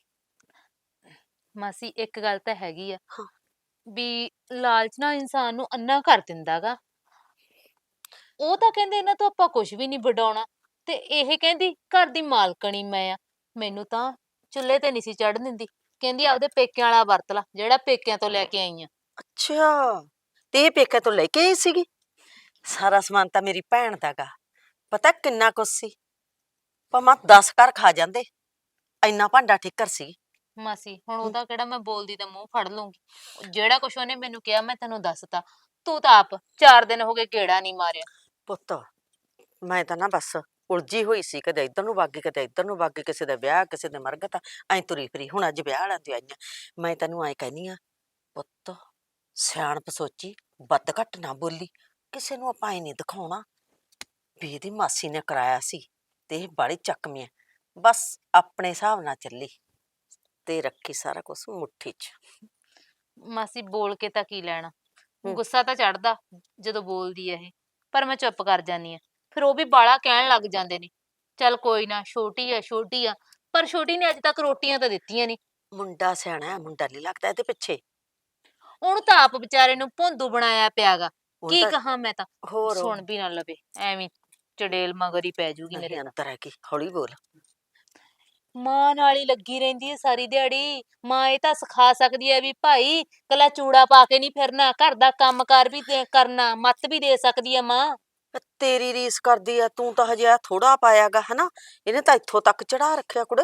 G: ਮਾਸੀ ਇੱਕ ਗੱਲ ਤਾਂ ਹੈਗੀ ਆ
A: ਹਾਂ।
G: ਵੀ ਲਾਲਚ ਨਾ ਇਨਸਾਨ ਨੂੰ ਅੰਨਾ ਕਰ ਦਿੰਦਾਗਾ। ਉਹ ਤਾਂ ਕਹਿੰਦੇ ਇਹਨਾਂ ਤੋਂ ਆਪਾਂ ਕੁਝ ਵੀ ਨਹੀਂ ਵਡਾਉਣਾ ਤੇ ਇਹ ਕਹਿੰਦੀ ਘਰ ਦੀ ਮਾਲਕਣੀ ਮੈਂ ਆ। ਮੈਨੂੰ ਤਾਂ ਚੁੱਲ੍ਹੇ ਤੇ ਨਹੀਂ ਸੀ ਚੜ੍ਹਨ ਦਿੰਦੀ ਕਹਿੰਦੀ ਆਪਦੇ ਪੇਕਿਆਂ ਵਾਲਾ ਵਰਤ ਲਾ ਜਿਹੜਾ ਪੇਕਿਆਂ ਤੋਂ ਲੈ ਕੇ ਆਈ ਆ।
A: ਅੱਛਾ ਤੇ ਇਹ ਪੇਕੇ ਤੋਂ ਲੈ ਕੇ ਆਈ ਸੀਗੀ ਸਾਰਾ ਸਮਾਨ ਤਾਂ ਮੇਰੀ ਭੈਣ ਦਾਗਾ ਪਤਾ ਕਿੰਨਾ ਕੁਛ ਸੀ ਭਾਵੇਂ 10 ਘਰ ਖਾ ਜਾਂਦੇ ਇੰਨਾ ਭਾਂਡਾ ਠਿੱਕਰ ਸੀ
G: ਮਾਸੀ ਹੁਣ ਉਹਦਾ ਕਿਹੜਾ ਮੈਂ ਬੋਲਦੀ ਤਾਂ ਮੂੰਹ ਫੜ ਲੂੰਗੀ। ਜਿਹੜਾ ਕੁਛ ਉਹਨੇ ਮੈਨੂੰ ਕਿਹਾ ਮੈਂ ਤੈਨੂੰ ਦੱਸਤਾ। ਤੂੰ ਤਾਂ ਆਪ 4 ਦਿਨ ਹੋ ਗਏ ਗੇੜਾ ਨਹੀਂ ਮਾਰਿਆ।
A: ਪੁੱਤ ਮੈਂ ਤਾਂ ਨਾ ਬਸ ਉਲਝੀ ਹੋਈ ਸੀ, ਕਦੇ ਇੱਧਰ ਨੂੰ ਵਗ ਗਈ ਕਦੇ ਇੱਧਰ ਨੂੰ ਵਗ ਗਈ, ਕਿਸੇ ਦਾ ਵਿਆਹ ਕਿਸੇ ਦੇ ਮਰਗਤ ਐਂ ਤੁਰੀ ਫਿਰੀ। ਹੁਣ ਅੱਜ ਵਿਆਹ ਵਾਲਿਆਂ ਦੀ ਆਈਆਂ। ਮੈਂ ਤੈਨੂੰ ਐਂ ਕਹਿੰਦੀ ਆ ਪੁੱਤ, ਸਿਆਣਪ ਸੋਚੀ, ਵੱਧ ਘੱਟ ਨਾ ਬੋਲੀ। ਕਿਸੇ ਨੂੰ ਆਪਾਂ ਐ ਨਹੀਂ ਦਿਖਾਉਣਾ ਵੀ ਇਹਦੀ ਮਾਸੀ ਨੇ ਕਰਾਇਆ ਸੀ ਤੇ ਇਹ ਬਾਹਲੀ ਚੱਕਵੀਂ ਐ। ਬਸ ਆਪਣੇ ਹਿਸਾਬ ਨਾਲ ਚੱਲੀ ਤੇ ਰੱਖੀ ਸਾਰਾ ਕੁਝ ਮੁੱਠੀ 'ਚ।
G: ਮਾਸੀ ਬੋਲ ਕੇ ਤਾਂ ਕੀ ਲੈਣਾ,
A: ਹੂੰ।
G: ਗੁੱਸਾ ਤਾਂ ਚੜਦਾ ਜਦੋਂ ਬੋਲਦੀ ਐ ਇਹ, ਪਰ ਮੈਂ ਚੁੱਪ ਕਰ ਜਾਂਦੀ ਆ। ਫਿਰ ਉਹ ਵੀ ਬਾਲਾ ਕਹਿਣ ਲੱਗ ਜਾਂਦੇ ਨੇ। ਚੱਲ ਕੋਈ ਨਾ, ਛੋਟੀ ਆ, ਪਰ ਛੋਟੀ ਨੇ ਅੱਜ ਤੱਕ ਰੋਟੀਆਂ ਤਾਂ ਦਿੱਤੀਆਂ ਨਹੀਂ।
A: ਮੁੰਡਾ ਸਿਆਣਾ ਹੈ, ਮੁੰਡਾ ਨਹੀਂ ਲੱਗਦਾ ਇਹਦੇ ਪਿੱਛੇ।
G: ਉਹਨੂੰ ਤਾਂ ਆਪ ਵਿਚਾਰੇ ਨੂੰ ਭੋਂਦੂ ਬਣਾਇਆ ਪਿਆਗਾ।
A: ਹੁਣ
G: ਕੀ
A: ਤਾਂ
G: ਕਹਾਂ ਮੈਂ ਤਾਂ,
A: ਹੋਰ
G: ਸੁਣ ਵੀ ਨਾ ਲਵੇ, ਐਵੇਂ ਚੜੇਲ ਮਗਰ ਹੀ ਪੈ ਜੂਗੀ ਮੇਰੇ
A: ਨਹੀਂ,
G: ਤਾਂ।
A: ਅੰਦਰ ਹੈ ਕੀ, ਹੌਲੀ ਬੋਲ।
G: ਮਾਂ ਨਾਲ ਹੀ ਲੱਗੀ ਰਹਿੰਦੀ ਹੈ ਸਾਰੀ ਦਿਹਾੜੀ। ਮਾਂ ਇਹ ਤਾਂ ਸਿਖਾ ਸਕਦੀ ਹੈ ਵੀ ਭਾਈ ਕੱਲਾ ਚੂੜਾ ਪਾ ਕੇ ਨਹੀਂ ਫਿਰਨਾ, ਘਰ ਦਾ ਕੰਮਕਾਰ ਵੀ ਕਰਨਾ, ਮੱਤ ਵੀ ਦੇ ਸਕਦੀ ਹੈ ਮਾਂ।
A: ਤੇਰੀ ਰੀਸ ਕਰਦੀ ਆ, ਤੂੰ ਤਾਂ ਹਜੇ ਆ ਥੋੜਾ ਪਾਇਆਗਾ ਹਨਾ। ਇਹਨੇ ਤਾਂ ਇੱਥੋਂ ਤੱਕ ਚੜਾ ਰੱਖਿਆ ਕੁੜੇ।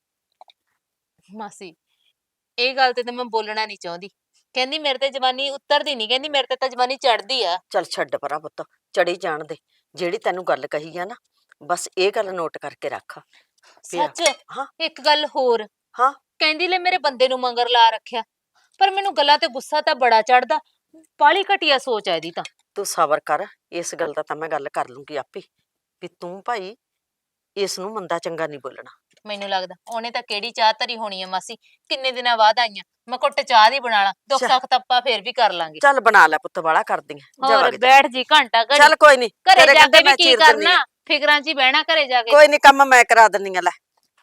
G: ਮਾਸੀ ਇਹ ਗੱਲ ਤੇ ਤਾਂ ਮੈਂ ਬੋਲਣਾ ਨਹੀਂ ਚਾਹੁੰਦੀ। ਕਹਿੰਦੀ ਮੇਰੇ ਤੇ ਜਵਾਨੀ ਉਤਰਦੀ ਨਹੀਂ, ਕਹਿੰਦੀ ਮੇਰੇ ਤੇ ਤਾਂ ਜਵਾਨੀ ਚੜਦੀ ਆ।
A: ਚੱਲ ਛੱਡ ਪਰਾਂ ਪੁੱਤ, ਚੜੀ ਜਾਣ ਦੇ। ਜਿਹੜੀ ਤੈਨੂੰ ਗੱਲ ਕਹੀ ਆ ਨਾ, ਬਸ ਇਹ ਗੱਲ ਨੋਟ ਕਰਕੇ ਰੱਖ। ਪਿਆ।
G: ਸੱਚ
A: ਹਾਂ
G: ਇੱਕ ਗੱਲ ਹੋਰ,
A: ਹਾਂ
G: ਕਹਿੰਦੀ ਲੈ ਮੇਰੇ ਬੰਦੇ ਨੂੰ ਮੰਗਰ ਲਾ ਰੱਖਿਆ। ਪਰ ਮੈਨੂੰ ਗੱਲਾਂ ਤੇ ਗੁੱਸਾ ਤਾਂ ਬੜਾ ਚੜਦਾ। ਬਾਹਲੀ ਘਟੀਆ ਸੋਚ ਹੈ ਇਹਦੀ ਤਾਂ।
A: ਤੂੰ ਸਬਰ ਕਰ, ਇਸ ਗੱਲ ਦਾ ਤਾਂ ਮੈਂ ਗੱਲ ਕਰ ਲੂੰਗੀ ਆਪੇ ਵੀ ਤੂੰ ਭਾਈ ਇਸ ਨੂੰ ਮੰਦਾ ਚੰਗਾ ਨਹੀਂ ਬੋਲਣਾ।
G: ਮੈਨੂੰ ਲੱਗਦਾ ਉਹਨੇ ਤਾਂ ਕਿਹੜੀ ਚਾਹ ਧਰੀ ਹੋਣੀ ਆ ਮਾਸੀ, ਕਿੰਨੇ ਦਿਨਾਂ ਬਾਅਦ ਆਈਆਂ। ਮੈਂ ਘੁੱਟ ਚਾਹ ਦੀ ਬਣਾ ਲਾਂ, ਦੁੱਖ ਸੁੱਖ ਤਾਂ ਆਪਾਂ ਫੇਰ ਵੀ ਕਰ ਲਾਂਗੇ।
A: ਚੱਲ ਬਣਾ ਲੈ ਪੁੱਤ, ਵਾਲਾ ਕਰਦੀ ਆ। ਜਾ
G: ਹੋਰ
A: ਵਗ ਜਾ।
G: ਬੈਠ ਜੀ ਘੰਟਾ ਘੜੀ,
A: ਚੱਲ ਕੋਈ ਨਹੀਂ,
G: ਘਰੇ
A: ਤੇਰੇ
G: ਜਾ
A: ਕਹਿੰਦੇ
G: ਕੇ ਵੀ
A: ਮੈਂ
G: ਕੀ
A: ਚੀਰ ਦਿੰਦੀ
G: ਕਰਨਾ,
A: ਆ।
G: ਫਿਕਰਾਂ 'ਚ ਹੀ ਬਹਿਣਾ ਘਰੇ ਜਾ ਕੇ।
A: ਕੋਈ ਨਹੀਂ, ਕੰਮ ਮੈਂ ਕਰਾ ਦਿੰਦੀ ਆ। ਲੈ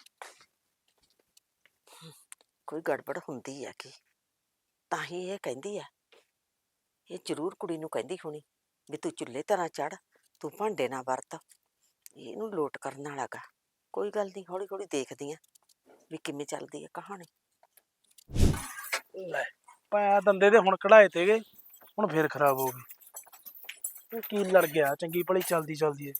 A: ਕੋਈ ਗੜਬੜ ਹੁੰਦੀ ਆ ਕੀ, ਤਾਂ ਹੀ ਇਹ ਕਹਿੰਦੀ ਆ। ਇਹ ਜ਼ਰੂਰ ਕੁੜੀ ਨੂੰ ਕਹਿੰਦੀ ਹੋਣੀ ਵੀ ਤੂੰ ਚੁੱਲ੍ਹੇ ਤਰ੍ਹਾਂ ਚੜ, ਤੂੰ ਭਾਂਡੇ ਨਾ ਵਰਤ। ਇਹਨੂੰ ਲੋਟ ਕਰਨ ਵਾਲਾ ਗਾ। ਕੋਈ ਗੱਲ ਨਹੀਂ, ਹੌਲੀ ਹੌਲੀ ਦੇਖਦੀ ਆ ਵੀ ਕਿਵੇਂ ਚੱਲਦੀ ਆ ਕਹਾਣੀ।
F: ਲੈ ਪੈ ਦੰਦੇ ਤੇ ਹੁਣ ਕਢਾਏ ਤੇਗੇ, ਹੁਣ ਫੇਰ ਖਰਾਬ ਹੋ ਗਏ। ਇਹ ਕੀ ਲੜ ਗਿਆ, ਚੰਗੀ ਭਲੀ ਚੱਲਦੀ ਏ।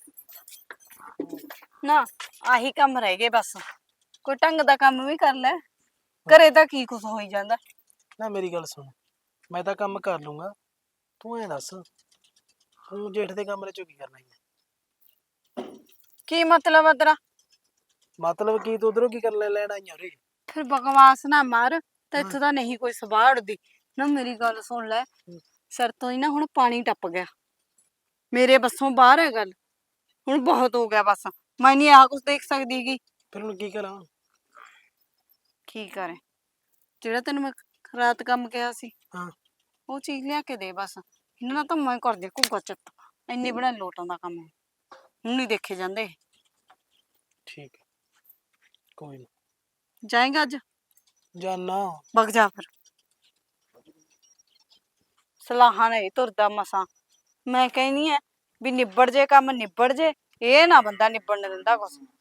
E: ਨਾ ਆਹੀ ਕੰਮ ਰਹਿ ਗਏ ਬਸ। ਕੋਈ ਢੰਗ ਦਾ ਕੰਮ ਵੀ ਕਰ ਲੈ, ਘਰੇ ਤਾਂ ਕੀ ਕੁਛ ਹੋਈ ਜਾਂਦਾ।
F: ਨਾ ਮੇਰੀ ਗੱਲ ਸੁਣ, ਮੈਂ ਤਾਂ ਕੰਮ ਕਰ ਲੂੰਗਾ, ਤੂੰ ਐਂ ਦੱਸ ਤੂੰ ਜੇਠ ਦੇ ਕਮਰੇ ਚੋਂ ਕੀ ਕਰਨਾ ਹੈ?
E: ਕੀ ਮਤਲਬ ਆ ਤੇਰਾ?
F: ਮਤਲਬ ਕੀ, ਤੂੰ ਉਧਰੋਂ ਕੀ ਕਰ ਲੈਣ ਆਈਆਂ ਉਰੇ?
E: ਫਿਰ ਬਕਵਾਸ ਨਾ ਮਾਰ, ਤੇ ਇੱਥੋਂ ਤਾਂ ਨਹੀਂ ਕੋਈ ਸਵਾਹ ਉੜਦੀ ਨਾ। ਮੇਰੀ ਗੱਲ ਸੁਣ ਲੈ, ਸਿਰ ਤੋਂ ਹੀ ਨਾ ਹੁਣ ਪਾਣੀ ਟੱਪ ਗਿਆ। ਮੇਰੇ ਬੱਸੋਂ ਬਾਹਰ ਹੈ ਗੱਲ, ਹੁਣ ਬਹੁਤ ਹੋ ਗਿਆ ਬਸ। ਮੈਂ ਨਹੀਂ ਆ ਕੁਛ ਦੇਖ ਸਕਦੀ ਗੀ।
F: ਫਿਰ ਹੁਣ ਕੀ ਕਰਾਂ?
E: ਕੀ ਕਰੇ, ਜਿਹੜਾ ਤੈਨੂੰ ਮੈਂ ਰਾਤ ਕੰਮ ਕਿਹਾ ਸੀ
F: ਹਾਂ
E: ਉਹ ਚੀਜ਼ ਲਿਆ ਕੇ ਦੇ ਬਸ। ਇਹਨਾਂ ਨਾਲ ਤਾਂ ਮੈਂ ਕਰਦੀ ਘੁੱਗਾ ਚੱਤ, ਇੰਨੀ ਬੜਾ ਲੋਟਾਂ ਦਾ ਕੰਮ ਹੁਣ ਨਹੀਂ ਦੇਖੇ ਜਾਂਦੇ।
F: ਠੀਕ ਹੈ, ਕੋਈ ਨਾ
E: ਜਾਏਗਾ ਅੱਜ?
F: ਜਾਨਾ।
E: ਵਗ ਜਾ ਫਿਰ। ਸਲਾਹਾਂ ਨਹੀਂ ਤੁਰਦਾ ਮਸਾਂ। ਮੈਂ ਕਹਿੰਦੀ ਆ ਵੀ ਨਿਬੜ ਜੇ ਕੰਮ, ਨਿਬੜ ਜੇ। ਇਹ ਨਾ ਬੰਦਾ ਨਿਬੜਨ ਦਿੰਦਾ ਕੁਛ।